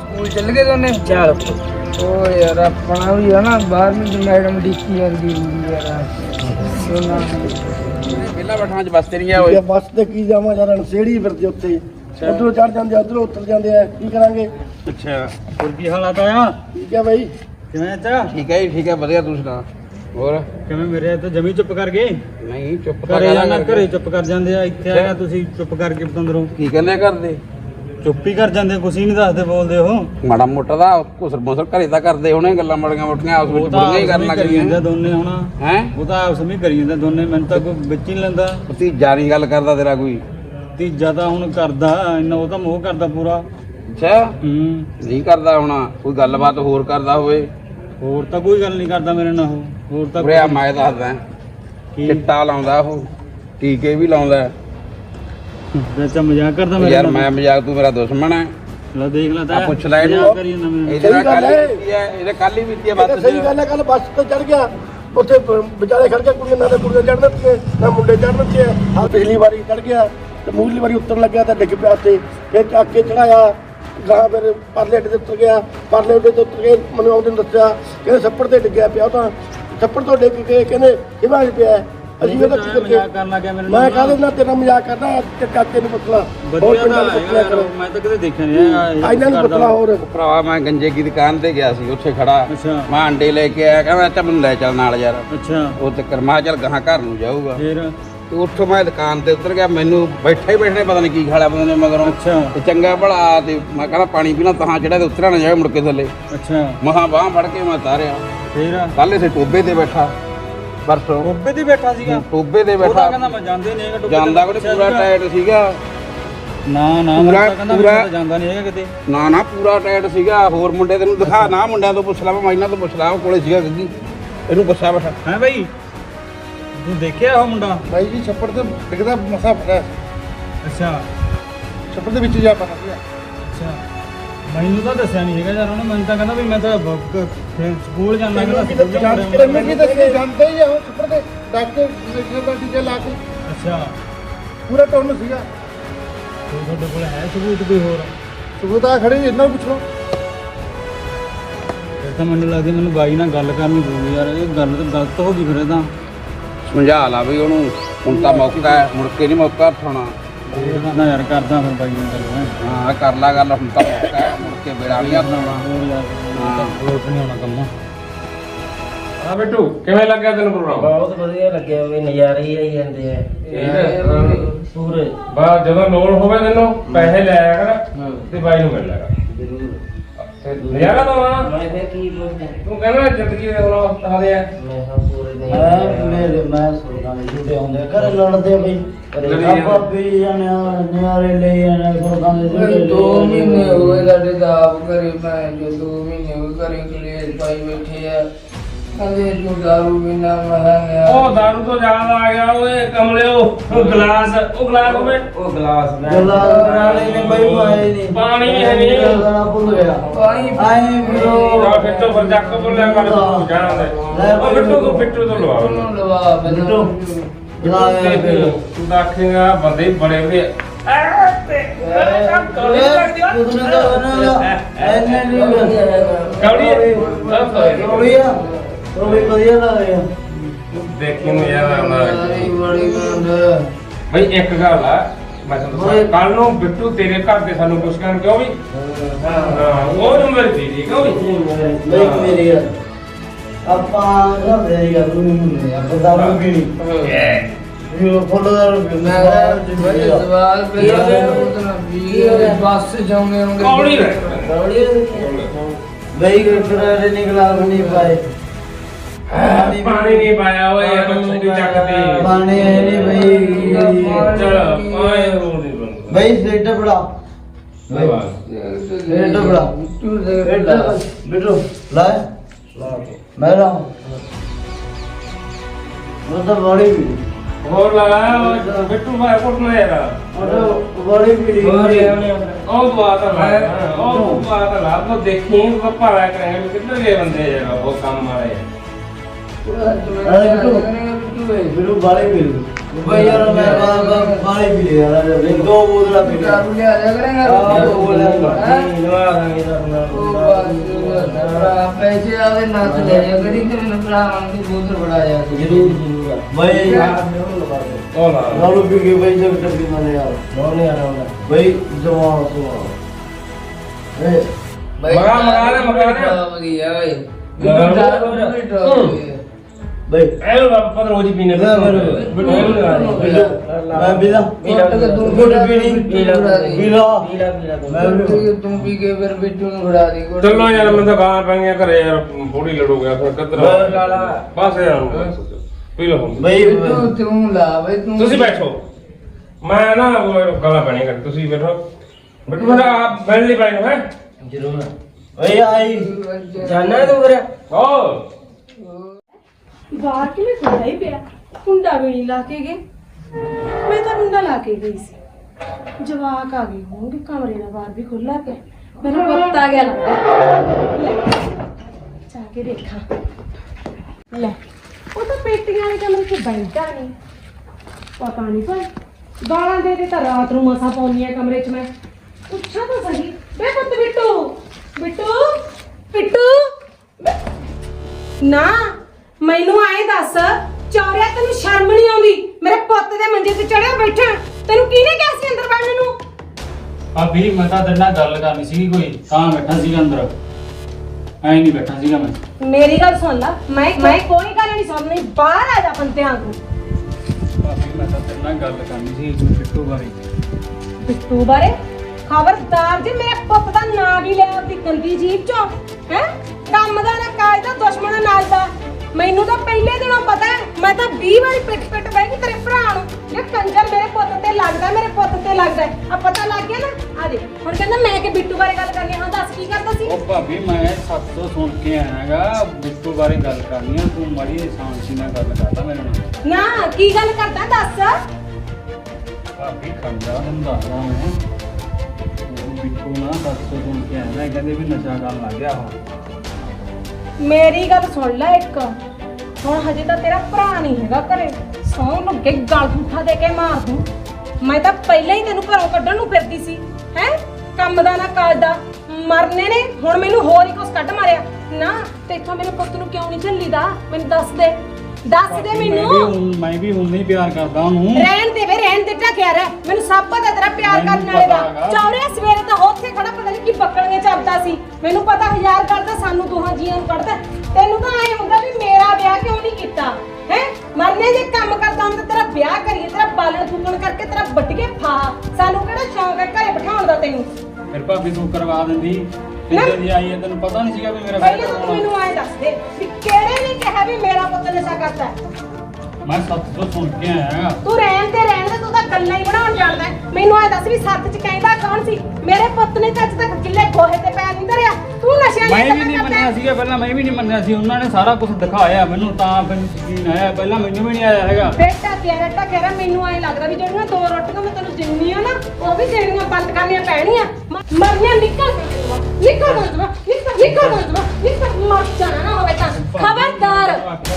ਸਕੂਲ ਚੱਲ ਗਏ ਦੋਨੇ ਚੱਲ ਓ ਯਾਰ ਆਪਣਾ ਵੀ ਹੈ ਨਾ 12ਵੀਂ ਦੀ ਮੈਡਮ ਡਿੱਕੀ ਜਾਂਦੀ ਹੁੰਦੀ ਯਾਰ ਸੋਨਾ ਪਹਿਲਾਂ ਬੈਠਾਂ ਚ ਬਸ ਤੇ ਨਹੀਂ ਆ ਓਏ
ਬੱਸ ਤੇ ਕੀ ਜਾਵਾਂ ਯਾਰ ਨਸ਼ੇੜੀ ਫਿਰਦੇ ਉੱਤੇ ਉੱਧਰੋਂ ਚੜ ਜਾਂਦੇ ਉੱਧਰੋਂ ਉਤਰ ਜਾਂਦੇ ਆ ਕੀ ਕਰਾਂਗੇ
ਅੱਛਾ ਹੋਰ ਕੀ ਹਾਲਾਤ ਆ
ਠੀਕ ਹੈ ਬਾਈ
ਕਿਵੇਂ ਅੱਛਾ
ਠੀਕ ਹੈ ਜੀ ਠੀਕ ਹੈ ਵਧੀਆ ਤੂੰ ਸੁਣਾ ਹੋਰ
ਕਿਵੇਂ ਮੇਰੇ ਤਾਂ ਜਮੀ ਚੁੱਪ ਕਰ ਗਏ
ਨਹੀਂ ਚੁੱਪ ਤਾਂ
ਘਰੇ ਜਾਣਾ
ਕਰਾਂਗੇ।
ਘਰੇ ਚੁੱਪ ਕਰ ਜਾਂਦੇ ਆ ਇੱਥੇ ਆਇਆ ਤੁਸੀਂ ਚੁੱਪ ਕਰਕੇ ਪਤੰਦਰੋਂ
ਕੀ ਕਹਿੰਦੇ ਕਰਦੇ
ਚੁੱਪ ਹੀ ਕਰ ਜਾਂਦੇ ਕੁਛ ਹੀ ਨਹੀਂ ਦੱਸਦੇ ਬੋਲਦੇ ਉਹ
ਮਾੜਾ ਮੋਟਾ ਦਾ ਘੁਸਰ ਮੁਸਰ ਘਰੇ ਤਾਂ ਕਰਦੇ ਹੋਣੇ ਗੱਲਾਂ ਮੜੀਆਂ ਮੋਟੀਆਂ ਆਪਸ ਵਿੱਚ ਬੁੜੀਆਂ ਹੀ ਕਰਨ ਲੱਗ
ਕਰੀ ਜਾਂਦੇ
ਗਈਆਂ
ਦੋਨੇ ਹੁਣ
ਹੈ
ਉਹ ਤਾਂ ਆਪਸ ਵਿੱਚ ਕਰੀ ਜਾਂਦੇ ਦੋਨੇ ਮੈਨੂੰ ਤਾਂ ਕੋਈ ਵਿੱਚ ਹੀ ਨਹੀਂ ਲੈਂਦਾ
ਭਤੀਜਾ ਨਹੀਂ ਗੱਲ ਕਰਦਾ ਤੇਰਾ ਕੋਈ
ਤੀਜਾ ਤਾਂ ਹੁਣ ਕਰਦਾ ਇੰਨਾ ਉਹ ਤਾਂ ਮੋਹ ਕਰਦਾ ਪੂਰਾ
ਅੱਛਾ
ਹੂੰ
ਨਹੀਂ ਕਰਦਾ ਹੋਣਾ ਕੋਈ ਗੱਲਬਾਤ ਹੋਰ ਕਰਦਾ ਹੋਵੇ
ਹੋਰ ਤਾਂ ਕੋਈ ਗੱਲ ਨਹੀਂ ਕਰਦਾ ਮੇਰੇ ਨਾਲ ਉਹ ਹੋਰ ਤਾਂ
ਉਰੇ ਆ ਮੈਂ ਦੱਸਦਾ
ਕੀ
ਚਿੱਟਾ ਲਾਉਂਦਾ ਉਹ ਟੀਕੇ ਵੀ ਲਾਉਂਦਾ
ਵਿੱਚ ਮਜ਼ਾਕ ਕਰਦਾ ਮੇਰੇ
ਯਾਰ
ਨਾਲ
ਮੈਂ ਮਜ਼ਾਕ ਤੂੰ ਮੇਰਾ ਦੁਸ਼ਮਣ ਹੈ
ਲੈ ਦੇਖ ਲੈ
ਆ
ਤਾਂ
ਪੁੱਛ ਲੈ
ਮਜ਼ਾਕ ਕਰੀ ਜਾਂਦਾ
ਇਹਨੂੰ
ਮੈਨੂੰ।
ਇਹਦੇ ਨਾਲ
ਸਹੀ ਗੱਲ
ਕੱਲ
ਹੈ।
ਕੀਤੀ ਹੈ ਇਹਦੇ ਕੱਲ ਹੀ ਬੀਤੀ ਹੈ
ਇਹ ਤਾਂ
ਬੱਸ
ਸਹੀ ਗੱਲ ਹੈ ਕੱਲ ਬੱਸ ਤੇ ਚੜ ਗਿਆ ਉੱਥੇ ਵਿਚਾਲੇ ਖੜ ਕੇ ਕੁੜੀਆਂ ਨਾਲ ਕੁੜੀਆਂ ਚੜ੍ਹ ਦਿੱਤੀਆਂ ਨਾ ਮੁੰਡੇ ਚੜ੍ਹ ਦਿੱਤੇ ਆ ਪਿਛਲੀ ਵਾਰੀ ਚੜ ਗਿਆ ਤੇ ਮੂਹਲੀ ਵਾਰੀ ਉੱਤਰ ਲੱਗਿਆ ਤਾਂ ਡਿੱਗ ਪਿਆ ਉੱਤੇ ਫਿਰ ਚੱਕ ਕੇ ਚੜਾਇਆ ਗਾਂ ਫਿਰ ਪਰਲੇ ਅੱਡੇ ਤੇ ਉੱਤਰ ਗਿਆ ਪਰਲੇ ਅੱਡੇ ਤੇ ਉੱਤਰ ਕੇ ਮੈਨੂੰ ਉਹਦੇ ਨੇ ਦੱਸਿਆ ਕਹਿੰਦੇ ਛੱਪੜ ਤੇ ਡਿੱਗਿਆ ਪਿਆ ਉਹ ਤਾਂ ਛੱਪੜ ਤੋਂ ਡਿੱਗ ਕੇ ਕਹਿੰਦੇ ਹਿਮਾਚ ਪਿਆ ਹੈ। ਅਸੀਂ ਉਹਦਾ ਕੀ
ਮਜ਼ਾਕ
ਕਰਕੇ
ਕਰਨ ਲੱਗ ਗਿਆ ਮੇਰੇ
ਮੈਂ ਕਾਹਦੇ ਨਾਲ ਤੇਰਾ ਮਜ਼ਾਕ ਕਰਦਾ ਤੇ ਕਾਕੇ ਨੂੰ ਪੁੱਛ ਲਾ ਹੋਰ
ਵਧੀਆ
ਪਿੰਡਾਂ
ਤਾਂ
ਨੂੰ ਪੁੱਛ ਲਿਆ ਕਰੋ
ਮੈਂ ਤਾਂ ਕਦੇ ਦੇਖਿਆ ਨਹੀਂ
ਇਹਨਾਂ ਨੂੰ ਪੁੱਛ ਲਾ ਹੋਰ
ਭਰਾਵਾ ਮੈਂ ਗੰਜੇ ਕੀ ਦੁਕਾਨ ਤੇ ਗਿਆ ਸੀ ਉੱਥੇ ਖੜਾ
ਅੱਛਾ
ਮੈਂ ਅੰਡੇ ਲੈ ਕੇ ਆਇਆ ਕਹਿੰਦਾ ਚੱਲ ਮੈਨੂੰ ਲੈ ਚੱਲ ਨਾਲ ਯਾਰ
ਅੱਛਾ
ਉਹ ਤੇ ਕਰਮਾ ਚੱਲ ਗਾਹਾਂ ਘਰ ਨੂੰ ਜਾਊਗਾ
ਫਿਰ
ਤੇ ਉੱਥੋਂ ਮੈਂ ਦੁਕਾਨ ਤੇ ਉਤਰ ਗਿਆ ਮੈਨੂੰ ਬੈਠਾ ਹੀ ਬੈਠੇ ਪਤਾ ਨਹੀਂ ਕੀ ਖਾ ਲਿਆ ਪਤਾ ਨਹੀਂ ਮਗਰੋਂ
ਅੱਛਾ
ਤੇ ਚੰਗਾ ਭਲਾ ਤੇ ਮੈਂ ਕਹਿੰਦਾ ਪਾਣੀ ਪੀਣਾ ਤਾਂ ਜਿਹੜਾ ਤੇ ਉਤਰਿਆ ਨਾ ਜਾਵੇ ਮੁੜ ਕੇ ਥੱਲੇ
ਅੱਛਾ
ਮਹਾਂ ਬਾਹ ਫੜ ਕੇ ਮੈਂ ਤਾਰਿਆ
ਫਿਰ
ਕੱਲ ਇਸੇ ਟੋਬੇ ਤੇ ਬੈਠਾ ਪਰਸੋਂ
ਟੋਬੇ ਤੇ ਬੈਠਾ ਸੀਗਾ
ਟੋਬੇ ਤੇ
ਉਹ ਤਾਂ
ਬੈਠਾ
ਕਹਿੰਦਾ ਮੈਂ ਜਾਂਦੇ ਨਹੀਂ ਹੈਗਾ ਟੋਬੇ
ਜਾਂਦਾ ਕੋਈ ਪੂਰਾ ਟਾਇਟ ਸੀਗਾ
ਨਾ ਨਾ
ਪੂਰਾ-
ਮੈਂ ਤਾਂ ਕਹਿੰਦਾ
ਪੂਰਾ-
ਮੈਂ ਤਾਂ ਜਾਂਦਾ ਨਹੀਂ ਹੈਗਾ ਕਿਤੇ
ਨਾ ਨਾ ਪੂਰਾ ਟਾਇਟ ਸੀਗਾ ਹੋਰ ਮੁੰਡੇ ਤੈਨੂੰ ਦਿਖਾ ਨਾ ਮੁੰਡਿਆਂ ਤੋਂ ਪੁੱਛ ਲਾ ਮੈਂ ਇਹਨਾਂ ਤੋਂ ਪੁੱਛ ਲਾ ਉਹ ਕੋਲੇ ਸੀਗਾ ਗੱਗੀ ਇਹਨੂੰ ਪੁੱਛਿਆ ਬੈਠਾ
ਹੈ ਬਾਈ ਤੂੰ ਦੇਖਿਆ ਉਹ ਮੁੰਡਾ
ਭਾਈ ਜੀ ਛੱਪੜ ਤੇ ਡਿੱਗਦਾ ਮਸਾ ਪਤਾ
ਅੱਛਾ
ਛੱਪੜ ਦੇ ਵਿੱਚ ਜਾ ਪਤਾ
ਅੱਛਾ ਮੈਨੂੰ ਤਾਂ ਦੱਸਿਆ ਨਹੀਂ ਹੈਗਾ ਯਾਰ ਉਹਨੇ ਮੈਨੂੰ ਤਾਂ ਕਹਿੰਦਾ ਵੀ ਮੈਂ ਤਾਂ ਫਿਰ ਸਕੂਲ ਜਾਂਦਾ
ਤੈਨੂੰ ਕੀ ਦੱਸਿਆ ਜਾਣਦੇ ਹੀ ਆ ਉਹ ਛੱਪੜ ਦੇ ਡਾਕਟਰ ਨੈਸ਼ਨਲ ਦਾ ਟੀਚਰ ਲਾ ਕੇ
ਅੱਛਾ
ਪੂਰਾ ਟੌਨ ਸੀਗਾ
ਤੇ ਤੁਹਾਡੇ ਕੋਲ ਹੈ ਸਬੂਤ ਕੋਈ ਹੋਰ
ਸਬੂਤ ਆ ਖੜੇ ਇਹਨਾਂ ਨੂੰ ਪੁੱਛ ਲਓ
ਫਿਰ ਤਾਂ ਮੈਨੂੰ ਲੱਗਦਾ ਮੈਨੂੰ ਬਾਈ ਨਾਲ ਗੱਲ ਕਰਨੀ ਪਊਗੀ ਯਾਰ ਇਹ ਗੱਲ ਤਾਂ ਗਲਤ ਹੋ ਗਈ ਫਿਰ ਇਹ ਤਾਂ
ਸਮਝਾ ਲਾ ਵੀ ਉਹਨੂੰ ਹੁਣ ਤਾਂ ਮੌਕਾ ਹੈ ਮੁੜ ਕੇ ਨਹੀਂ ਮੌਕਾ ਹੱਥਣਾ
ਇਹ ਤਾਂ ਯਾਰ ਕਰਦਾ ਫਿਰ ਬਾਈ ਨਾਲ ਗੱਲ ਮੈਂ
ਹਾਂ ਕਰ ਲਾ ਗੱਲ ਹੁਣ ਤਾਂ ਮੌਕਾ ਹੈ ਮੁੜ ਕੇ ਬੇੜਾ ਨਹੀਂ ਹੱਥਣਾ
ਹੋਰ ਯਾਰ
ਹਾਂ।
ਰੋਟ ਨਹੀਂ ਹੋਣਾ ਕੰਮ
ਹਾਂ ਬਿੱਟੂ ਕਿਵੇਂ ਲੱਗਿਆ ਤੈਨੂੰ ਪ੍ਰੋਗਰਾਮ
ਬਹੁਤ ਵਧੀਆ ਲੱਗਿਆ ਵੀ ਨਜ਼ਾਰੇ ਹੀ ਆਈ ਜਾਂਦੇ ਆ ਪੂਰੇ
ਬਾ ਜਦੋਂ ਲੋੜ ਹੋਵੇ ਤੈਨੂੰ ਪੈਸੇ ਲੈ ਆਇਆ ਕਰ ਤੇ ਬਾਈ ਨੂੰ ਮਿਲ ਲਿਆ ਕਰ
ਜ਼ਰੂਰ
ਤੇ ਨਜ਼ਾਰਾ ਤਾਂ ਵਾ
ਮੈਂ ਕਿਹਾ ਕੀ ਬੋਲਦਾ
ਤੂੰ ਕਹਿੰਦਾ ਜ਼ਿੰਦਗੀ ਦੇ ਹੁਣ ਹਸਪਤਾਲ ਆ
ਮੈਂ ਹਾਂ ਪੂਰੇ ਨਹੀਂ
ਮੈਂ ਸੁਣਦਾ ਨਹੀਂ ਜੁੜੇ ਹੁੰਦੇ ਘਰੇ ਲੜਦੇ ਬਈ
ਲੜੀ
ਆਪਾਂ ਵੀ ਜਾਣੇ ਨਿਆਰੇ ਲੈ ਜਾਣੇ ਸੁਣਦਾ ਦੇ
2 ਮਹੀਨੇ ਹੋਏ ਸਾਡੇ ਦਾ ਆਪ ਘਰੇ ਮੈਂ ਜੋ 2 ਮਹੀਨੇ ਹੋਏ ਘਰੇ ਕਲੇਸ਼ ਪਾਈ ਬੈਠੇ ਆ ਕਹਿੰਦੇ ਜੋ ਦਾਰੂ ਪੀਣਾ ਮਹਾਂਗਾ
ਉਹ ਦਾਰੂ ਤੋਂ ਜ਼ਿਆਦਾ ਆ ਗਿਆ ਓਏ ਕਮਲਿਓ ਉਹ ਗਲਾਸ ਹੋਵੇ
ਉਹ ਗਲਾਸ ਮੈਂ
ਗੱਲਾਂ ਬਣਾ ਲੈਨੇ ਬਈ ਪਾਏ ਨਹੀਂ
ਪਾਣੀ ਵੀ ਹੈ ਨਹੀਂ
ਗੱਲਾਂ ਭੁੱਲ ਗਿਆ
ਪਾਣੀ
ਆਏ ਵੀਰੋ
ਆ ਫਿਰ ਤੋਂ ਫਰਜੱਕ ਬੋਲਿਆ ਕਰ ਤੂੰ ਜਾਣਾ ਦੇ ਉਹ ਬਿੱਟੂ ਤੋਂ ਫਿੱਟੂ ਤੋਂ ਲਵਾ
ਉਹਨੂੰ ਲਵਾ
ਬਿੱਟੂ ਜਲਾ
ਤੂੰ ਤਾਂ ਆਖੇਗਾ ਬੰਦੇ ਹੀ ਬੜੇ ਵਧੀਆ ਦੇਖੀ ਨੂੰ ਯਾਰ ਆਉਣਾ
ਬੜੀ ਗੰਦ
ਬਈ ਇੱਕ ਗੱਲ ਆ ਮੈਂ ਤੁਹਾਨੂੰ ਦੱਸਾਂ ਕੱਲ ਨੂੰ ਬਿੱਟੂ ਤੇਰੇ ਘਰ ਦੇ ਸਾਨੂੰ ਕੁਛ ਕਰਨ ਕਿਉਂ ਵੀ ਹਾਂ ਉਹ ਨੂੰ ਮੇਰੀ ਦੀਦੀ ਕਿਉਂ ਵੀ
ਮੇਰੀ ਆਪਾਂ ਨਾ ਮੇਰੀ ਗੱਲ ਨੂੰ ਨਹੀਂ ਆਪਾਂ ਦਾਰੂ ਵੀ ਨਹੀਂ ਇਹ ਫੋਟੋ ਦਾ
ਮੈਂ ਬੜੇ ਸਵਾਲ ਪਹਿਲਾਂ ਉਹਦਾ ਵੀ ਬੱਸ ਜਾਉਂਦੇ ਹੋਣਗੇ
ਕੌੜੀ ਰਹਿ
ਬਈ ਕਿਹੜਾ ਨਿਕਲਾ ਨਹੀਂ ਪਾਏ
ਪਾਣੀ ਨਹੀਂ ਪਾਇਆ ਓਏ ਬੱਚੂ ਦੀ ਚੱਕਦੀ
ਪਾਣੀ ਹੈ ਨਹੀਂ ਬਈ
ਚਲ ਪਾਏ ਰੋਣ ਦੀ ਬੰਦ
ਬਈ ਸੇਟ ਬੜਾ ਸੇਟ ਬੜਾ ਬਿਟੂ ਲੈ ਮੈਂ ਲਾ ਉਹ ਤਾਂ ਬੜੀ ਵੀ
ਹੋਰ ਲਗਾ ਬਿੱਟੂ ਮੈਂ ਕੁੱਟਣਾ ਯਾਰ
ਉਹ ਬੜੀ ਵੀ
ਉਹ ਦੁਆ ਤਾਂ ਲਾ ਉਹ ਦੁਆ ਤਾਂ ਲਾ ਉਹ ਦੇਖੀ ਉਹ ਭਾਲਾ ਕਰਾਂਗੇ ਕਿੱਧਰ ਗਏ ਬੰਦੇ ਯਾਰ ਉਹ ਕੰਮ ਵਾਲੇ
ਬਿਟੂ ਬਾਲੇ ਵੀ
भाई यार मैं पानी पी लिया यार दो बोतल पी लिया
दारू ले आ जा करेंगे पैसे आवे ना तो ले जा करी कि मैंने भरा की बोतल बढ़ा जा
जरूर भाई दारू पी के भाई जब तक मैंने यार नहीं आ रहा भाई जमा
बढ़िया भाई
भाई
ਐਲੋ ਪਤਾ ਰੋਜੀ ਪੀਣੇ
मैं बिना गुड पीनी पीला
तुम पी के फिर बिट्टू ने बढ़ा दी
ਚਲੋ ਯਾਰ ਮੈਂ ਤਾਂ ਗਾਲਾਂ ਪੈਣੀਆਂ ਘਰੇ ਯਾਰ ਬੋੜੀ ਲੜੋ ਗਿਆ ਫਿਰ ਕਿੱਧਰ ਬਸ ਯਾਰ ਪੀ ਲਓ ਹੁਣ
भाई
बिट्टू तुम ला भाई तुम
ਤੁਸੀਂ ਬੈਠੋ ਮੈਂ ਨਾ ਗਾਲਾਂ ਪੈਣੀਆਂ ਕਰ ਤੁਸੀਂ ਬੈਠੋ ਬਿੱਟੂ ਫਿਰ ਆਪ ਬੈਠ ਲਈ ਪਾਈ ਹੈ
जरूर भाई आई जाना है तू मेरा
ਓ
ਬਾਹਰ ਕਿਵੇਂ ਖੁੱਲ੍ਹਾ ਹੀ ਪਿਆ ਕੁੰਡਾ ਵੀ ਨਹੀਂ ਲਾ ਕੇ ਗਏ ਮੈਂ ਤਾਂ ਕੁੰਡਾ ਲਾ ਕੇ ਗਈ ਸੀ ਜਵਾਕ ਆ ਗਏ ਹੋਣਗੇ ਕਮਰੇ ਦਾ ਬਾਹਰ ਵੀ ਖੁੱਲ੍ਹਾ ਪਿਆ ਮੈਨੂੰ ਪਤਾ ਗਿਆ ਲੱਗਦਾ ਲੈ ਜਾ ਕੇ ਦੇਖਾਂ ਲੈ ਉਹ ਤਾਂ ਪੇਟੀਆਂ ਵਾਲੇ ਕਮਰੇ 'ਚ ਬੈਠਾ ਨਹੀਂ ਪਤਾ ਨਹੀਂ ਭਾਈ ਗਾਲਾਂ ਦੇ ਤਾਂ ਰਾਤ ਨੂੰ ਮਸਾ ਪਾਉਣੀ ਆ ਕਮਰੇ 'ਚ ਮੈਂ ਪੁੱਛਾਂ ਤਾਂ ਸਹੀ ਬੇ ਪੁੱਤ ਬਿੱਟੂ ਨਾ ਮੈਨੂੰ ਆਏ ਦੱਸ ਚੌਰਿਆ ਤੈਨੂੰ ਸ਼ਰਮ ਨਹੀਂ ਆਉਂਦੀ ਮੇਰੇ ਪੁੱਤ ਦੇ ਮੰਜੇ ਤੇ ਚੜਿਆ ਬੈਠਾ ਤੈਨੂੰ ਕਿਹਨੇ ਕਿਹਾ ਸੀ ਅੰਦਰ ਵੜਨ ਨੂੰ
ਭਾਬੀ ਮੈਂ ਤਾਂ ਤੇਰੇ ਨਾਲ ਗੱਲ ਕਰਨੀ ਸੀ ਕੋਈ ਤਾਂ ਬੈਠਾ ਸੀਗਾ ਅੰਦਰ ਐ ਨਹੀਂ ਬੈਠਾ ਸੀਗਾ ਮੈਂ
ਮੇਰੀ ਗੱਲ ਸੁਣ ਲੈ ਮੈਂ ਕੋਈ ਗੱਲ ਨਹੀਂ ਸੁਣਨੀ ਬਾਹਰ ਆ ਜਾ ਬੰਤਿਆਂ ਨੂੰ
ਭਾਬੀ ਮੈਂ ਤਾਂ ਤੇਰੇ ਨਾਲ ਗੱਲ ਕਰਨੀ ਸੀ ਬਿੱਟੂ ਬਾਰੇ
ਬਿੱਟੂ ਬਾਰੇ ਖਬਰਦਾਰ ਜੇ ਮੇਰੇ ਪੁੱਤ ਦਾ ਨਾਂ ਵੀ ਲੈ ਆਪਦੀ ਗੰਦੀ ਜੀਭ ਚੋਂ ਹੈ ਕੰਮ ਦਾ ਨਾ ਕਾਜ ਦਾ ਦੁਸ਼ਮਣ ਨਾਲ ਦਾ ਮੈਨੂੰ ਤਾਂ ਪਹਿਲੇ ਦਿਨੋਂ ਪਤਾ ਹੈ ਮੈਂ ਤਾਂ 20 ਵਾਰੀ ਪਿੱਟ ਬਹਿ ਗਈ ਤੇਰੇ ਭਰਾ ਨੂੰ ਇਹ ਕੰਜਰ ਮੇਰੇ ਪੁੱਤ ਤੇ ਲੱਗਦਾ ਆ ਪਤਾ ਲੱਗ ਗਿਆ ਨਾ ਆ ਦੇ ਹੁਣ ਕਹਿੰਦਾ ਮੈਂ ਕਿ ਬਿੱਟੂ ਬਾਰੇ ਗੱਲ ਕਰਨੀ ਹਾਂ ਦੱਸ ਕੀ ਕਰਦਾ ਸੀ
ਉਹ ਭਾਬੀ ਮੈਂ ਸੱਤ ਤੋਂ ਸੁਣ ਕੇ ਆਇਆਗਾ ਬਿੱਟੂ ਬਾਰੇ ਗੱਲ ਕਰਨੀ ਆ ਤੂੰ ਮੜੀ ਸ਼ਾਂਤੀ ਨਾਲ ਗੱਲ ਕਰਦਾ ਮੇਰੇ ਨਾਲ
ਨਾ ਕੀ ਗੱਲ ਕਰਦਾ ਦੱਸ
ਭਾਬੀ ਖੰਡਾ ਹੁੰਦਾ ਰਹਾ ਮੈਂ ਉਹ ਬਿੱਟੂ ਨਾ ਸੱਤ ਤੋਂ ਸੁਣ ਕੇ ਆਇਆ ਕਹਿੰਦੇ ਵੀ ਨਸ਼ਾ ਕਰਨ ਲੱਗ ਗਿਆ ਉਹ
ਮੇਰੀ ਗੱਲ ਸੁਣ ਲੈ ਇੱਕ ਹੁਣ ਹਜੇ ਤਾਂ ਤੇਰਾ ਭਰਾ ਨਹੀਂ ਹੈਗਾ ਘਰੇ ਸੌਂ ਲੱਗੇ ਗਲ ਠੂਠਾ ਦੇ ਕੇ ਮਾਰ ਦੂੰ ਮੈਂ ਤਾਂ ਪਹਿਲਾਂ ਹੀ ਤੈਨੂੰ ਘਰੋਂ ਕੱਢਣ ਨੂੰ ਫਿਰਦੀ ਸੀ ਹੈ ਕੰਮ ਦਾ ਨਾ ਕਾਜ ਦਾ ਮਰਨੇ ਨੇ ਹੁਣ ਮੈਨੂੰ ਹੋਰ ਹੀ ਕੁਛ ਕੱਢ ਮਾਰਿਆ ਨਾ ਤੇ ਇੱਥੋਂ ਮੇਰੇ ਪੁੱਤ ਨੂੰ ਕਿਉਂ ਨਹੀਂ ਝੱਲੀਦਾ ਮੈਨੂੰ ਦੱਸ ਦੇ ਮੈਨੂੰ
ਮੈਂ ਵੀ ਉਨਾ ਹੀ ਪਿਆਰ ਕਰਦਾ ਉਹਨੂੰ
ਰਹਿਣ ਦੇ ਢਕਿਆ ਰਹਿ ਮੈਨੂੰ ਸਭ ਪਤਾ ਤੇਰਾ ਪਿਆਰ ਕਰਨ ਵਾਲੇ ਦਾ ਚੌਰੇ ਸਵੇਰੇ ਤਾਂ ਉੱਥੇ ਖੜਾ ਪਤਾ ਨਹੀਂ ਕੀ ਪੱਕਣਗੇ ਚੱਲਦਾ ਸੀ ਮੈਨੂੰ ਪਤਾ 1000 ਕਰਦਾ ਸਾਨੂੰ ਦੋਹਾਂ ਜੀਆਂ ਨੂੰ ਕੱਢਦਾ ਤੈਨੂੰ ਤਾਂ ਐ ਹੁੰਦਾ ਵੀ ਮੇਰਾ ਵਿਆਹ ਕਿਉਂ ਨਹੀਂ ਕੀਤਾ ਹੈ ਮਰਨੇ ਜੇ ਕੰਮ ਕਰਦਾ ਹੁੰਦਾ ਤੇਰਾ ਵਿਆਹ ਕਰੀਏ ਤੇਰਾ ਬਾਲਣ ਫੂਕਣ ਕਰਕੇ ਤੇਰਾ ਵੱਟੀਏ ਫਾ ਸਾਨੂੰ ਕਿਹੜਾ ਸ਼ੌਂਕ ਹੈ ਘਰੇ ਬਿਠਾਉਣ ਦਾ ਤੈਨੂੰ
ਫਿਰ ਭਾਬੀ ਤੂੰ ਕਰਵਾ ਦਿੰਦੀ ਕਿੱਥੇ ਦੀ ਆਈ ਹੈ ਤੈਨੂੰ ਪਤਾ ਨਹੀਂ ਸੀਗਾ ਵੀ ਮੇਰਾ
ਪਹਿਲੇ ਤੂੰ ਮੈਨੂੰ ਆਏ ਦੱਸ ਦੇ ਵੀ ਕਿਹੜੇ ਨੇ ਕਿਹਾ ਵੀ ਮੇਰਾ ਪੁੱਤ ਨਸ਼ਾ ਕਰਦਾ ਹੈ
ਮੈਂ ਸੱਤ ਤੋਂ ਸੁਣ ਕੇ ਆਇਆ
ਤੂੰ ਰਹਿਣ ਦੇ ਤੂੰ ਤਾਂ ਗੱਲਾਂ ਹੀ ਬਣਾਉਣ ਜਾਣਦਾ ਮੈਨੂੰ ਆ ਦੱਸ ਵੀ ਸੱਚ ਚ ਕਹਿੰਦਾ ਕੌਣ ਸੀ ਮੇਰੇ ਪੁੱਤ ਨੇ ਤਾਂ ਅੱਜ ਤੱਕ ਕਿੱਲੇ ਗੋਹੇ ਤੇ ਪੈਰ ਨਹੀਂ ਧਰਿਆ ਤੂੰ ਨਸ਼ਿਆਂ
ਮੈਂ ਵੀ ਨਹੀਂ ਮੰਨਿਆ ਸੀਗਾ ਪਹਿਲਾਂ ਮੈਂ ਵੀ ਨਹੀਂ ਮੰਨਿਆ ਸੀ ਉਹਨਾਂ ਨੇ ਸਾਰਾ ਕੁਝ ਦਿਖਾਇਆ ਮੈਨੂੰ ਤਾਂ ਮੈਨੂੰ ਯਕੀਨ ਆਇਆ ਪਹਿਲਾਂ ਮੈਨੂੰ ਵੀ ਨਹੀਂ ਆਇਆ ਹੈਗਾ
ਬੇਟਾ ਤੇਰਾ ਮੈਨੂੰ ਐ ਲੱਗਦਾ ਵੀ ਜਿਹੜੀਆਂ 2 ਰੋਟੀਆਂ ਮੈਂ ਤੈਨੂੰ ਦਿੰਨੀ ਆ ਨਾ ਉਹ ਵੀ ਦੇਣੀਆਂ ਬੰਦ ਕਰਨੀਆਂ ਪੈਣੀਆਂ ਮਰਨੀਆਂ ਨਿਕਲ ਮਰ ਜਾਣਾ ਨਾ ਹੋਵੇ ਤਾਂ ਖਬਰਦਾਰ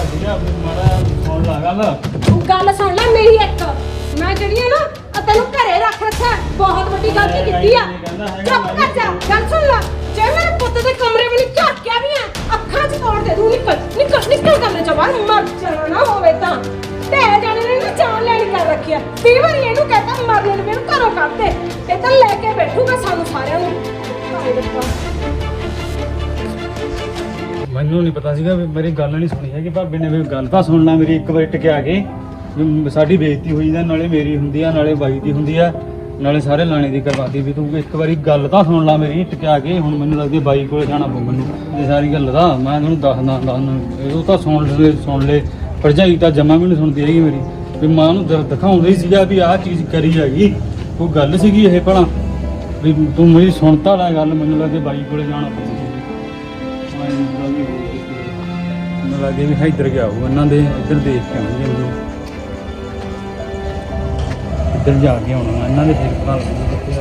ਗੱਲ ਸੁਣ ਲੈ ਮੇਰੀ ਇੱਕ ਮੈਂ ਜਿਹੜੀ ਆ ਨਾ ਤੈਨੂੰ ਘਰੇ ਰੱਖ ਰੱਖਿਆ ਬਹੁਤ ਵੱਡੀ ਗਲਤੀ ਕੀਤੀ ਆ ਚੁੱਪ ਕਰ ਜਾ ਗੱਲ ਸੁਣ ਲੈ ਜੇ ਮੇਰੇ ਪੁੱਤ ਦੇ ਕਮਰੇ ਵੀ ਨਹੀਂ ਝਾਕਿਆ ਵੀ ਆ ਅੱਖਾਂ 'ਚ ਤੋੜ ਦੇ ਦੂੰ ਨਿਕਲ ਕਮਰੇ 'ਚੋਂ ਬਾਹਰ ਮਰ ਜਾਣਾ ਨਾ ਹੋਵੇ ਤਾਂ ਢਹਿ ਜਾਣੇ ਨੇ ਨਾ ਜਾਨ ਲੈਣੀ ਕਰ ਰੱਖਿਆ 20 ਵਾਰੀ ਇਹਨੂੰ ਕਹਤਾ ਮਰਨੇ ਨੂੰ ਮੈਨੂੰ ਘਰੋਂ ਕੱਢ ਦੇ ਇਹ ਤਾਂ ਲੈ ਕੇ ਬੈਠੂਗਾ ਸਾਨੂੰ ਸਾਰਿਆਂ ਨੂੰ ਹਾਏ ਰੱਬਾ
ਮੈਨੂੰ ਨਹੀਂ ਪਤਾ ਸੀਗਾ ਵੀ ਮੇਰੀ ਗੱਲ ਨਹੀਂ ਸੁਣੀ ਹੈਗੀ ਭਾਬੀ ਨੇ ਵੀ ਗੱਲ ਤਾਂ ਸੁਣਨਾ ਮੇਰੀ ਇੱਕ ਵਾਰ ਟਿਕਿਆ ਕੇ ਵੀ ਸਾਡੀ ਬੇਇੱਜ਼ਤੀ ਹੋਈ ਦਾ ਨਾਲੇ ਮੇਰੀ ਹੁੰਦੀ ਆ ਨਾਲੇ ਬਾਈ ਦੀ ਹੁੰਦੀ ਆ ਨਾਲੇ ਸਾਰੇ ਲਾਣੇ ਦੀ ਕਰਵਾਤੀ ਵੀ ਤੂੰ ਇੱਕ ਵਾਰੀ ਗੱਲ ਤਾਂ ਸੁਣ ਲਾ ਮੇਰੀ ਟਿਕਿਆ ਕੇ ਹੁਣ ਮੈਨੂੰ ਲੱਗਦੀ ਬਾਈ ਕੋਲੇ ਜਾਣਾ ਪਊ ਮੈਨੂੰ ਇਹ ਸਾਰੀ ਗੱਲ ਦਾ ਮੈਂ ਤੁਹਾਨੂੰ ਦੱਸਦਾ ਉਹ ਤਾਂ ਸੁਣ ਲੈ ਭਰਜਾਈ ਤਾਂ ਜਮਾ ਵੀ ਨਹੀਂ ਸੁਣਦੀ ਹੈਗੀ ਮੇਰੀ ਵੀ ਮਾਂ ਨੂੰ ਦਿਖਾਉਂਦਾ ਹੀ ਸੀਗਾ ਵੀ ਆਹ ਚੀਜ਼ ਕਰੀ ਹੈਗੀ ਉਹ ਗੱਲ ਸੀਗੀ ਇਹ ਭਲਾ ਵੀ ਤੂੰ ਮੇਰੀ ਸੁਣਤਾ ਲੈ ਗੱਲ ਮੈਨੂੰ ਲੱਗਦੀ ਬਾਈ ਕੋਲੇ ਜਾਣਾ ਪਊ ਮੈਨੂੰ ਲੱਗੇ ਵੀ ਇੱਧਰ ਗਿਆ ਉਹ ਇਹਨਾਂ ਦੇ ਇੱਧਰ ਦੇਖ ਕੇ ਆਉਂਦੇ ਜਾਂਦੇ ਇੱਧਰ ਜਾ ਕੇ ਆਉਣਾ ਇਹਨਾਂ ਦੇ ਫਿਰ ਘਰ ਕਿੱਥੇ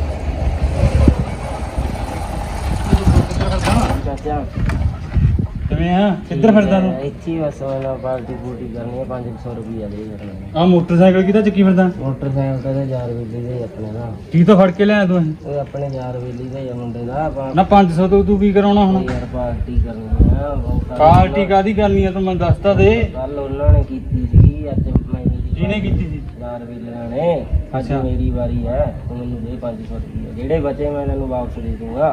ਆ ਕਿਵੇਂ ਆ ਕਿੱਧਰ ਫਿਰਦਾ ਤੂੰ
ਇੱਥੇ ਹੀ ਬਸ ਮੈਂ ਪਾਰਟੀ ਪੂਰਟੀ ਕਰਨੀ ਹੈ 500 ਰੁਪਈਆ ਦੇ ਦੇਣਾ
ਆ ਮੋਟਰਸਾਈਕਲ ਕਿਹਦਾ ਚੱਕੀ ਫਿਰਦਾ
ਮੋਟਰਸਾਈਕਲ ਤੇ ਯਾਰ ਵੇਲੀ ਦੇ ਆਪਣੇ ਦਾ
ਕੀ ਤੋਂ ਫੜ ਕੇ ਲਿਆ ਤੂੰ ਇਹ?
ਉਹ ਆਪਣੇ ਯਾਰ ਵੇਲੀ ਦਾ ਹੀ ਆ ਮੁੰਡੇ ਦਾ ਆਪਾਂ
ਨਾ 500 ਤੋਂ ਤੂੰ ਕੀ ਕਰਾਉਣਾ ਹੁਣ
ਯਾਰ ਪਾਰਟੀ ਕਰਨੀ ਆ
ਪਾਰਟੀ ਕਾਦੀ ਕਰਨੀ ਆ ਤੂੰ ਮੈਨੂੰ ਦੱਸਤਾ ਦੇ
ਕੱਲ ਉਹਨਾਂ ਨੇ ਕੀਤੀ ਸੀ ਅੱਜ ਮੈਂ
ਕਿਹਨੇ ਕੀਤੀ ਸੀ
ਯਾਰ ਵੇਲੀਆਂ ਨੇ ਅੱਜ
ਅੱਛਾ।
ਮੇਰੀ ਵਾਰੀ ਹੈ ਤੂੰ ਮੈਨੂੰ ਦੇ 500 ਰੁਪਈਆ ਜਿਹੜੇ ਬਚੇ ਮੈਂ ਤੈਨੂੰ ਵਾਪਸ ਦੇ ਦੂੰਗਾ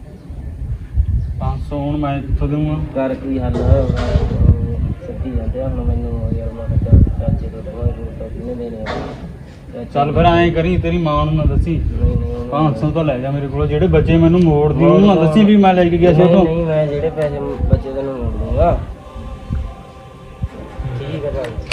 500 ਹੁਣ ਮੈਂ ਕਿੱਥੋਂ ਦੇਵਾਂ
ਕਰ ਕੋਈ ਹੱਲ ਸੱਤੀ ਜਾਂਦੇ ਆ ਹੁਣ ਮੈਨੂੰ ਯਾਰ ਮੈਂ ਕਿਹਾ ਚਾਚੇ ਤੋਂ ਦਵਾਈ ਤਾਂ ਕਿੰਨੇ ਦੇਣੇ ਆ
ਚੱਲ ਫਿਰ ਐਂ ਕਰੀ ਤੇਰੀ ਮਾਂ ਨੂੰ ਨਾ ਦੱਸੀ
ਨਹੀਂ ਨਹੀਂ
500 ਤਾਂ ਲੈ ਜਾ ਮੇਰੇ ਕੋਲ ਜਿਹੜੇ ਬੱਚੇ ਮੈਨੂੰ ਮੋੜ ਦੀ ਉਹਨੂੰ ਨਾ ਦੱਸੀ ਵੀ ਮੈਂ ਲੈ ਕੇ ਗਿਆ ਸੀ ਉਹ ਤੋਂ
ਨਹੀਂ ਮੈਂ ਜਿਹੜੇ ਪੈਸੇ ਬਚੇ ਤੈਨੂੰ ਮੋੜ ਦੂੰਗਾ ਠੀਕ ਹੈ ਭਾਈ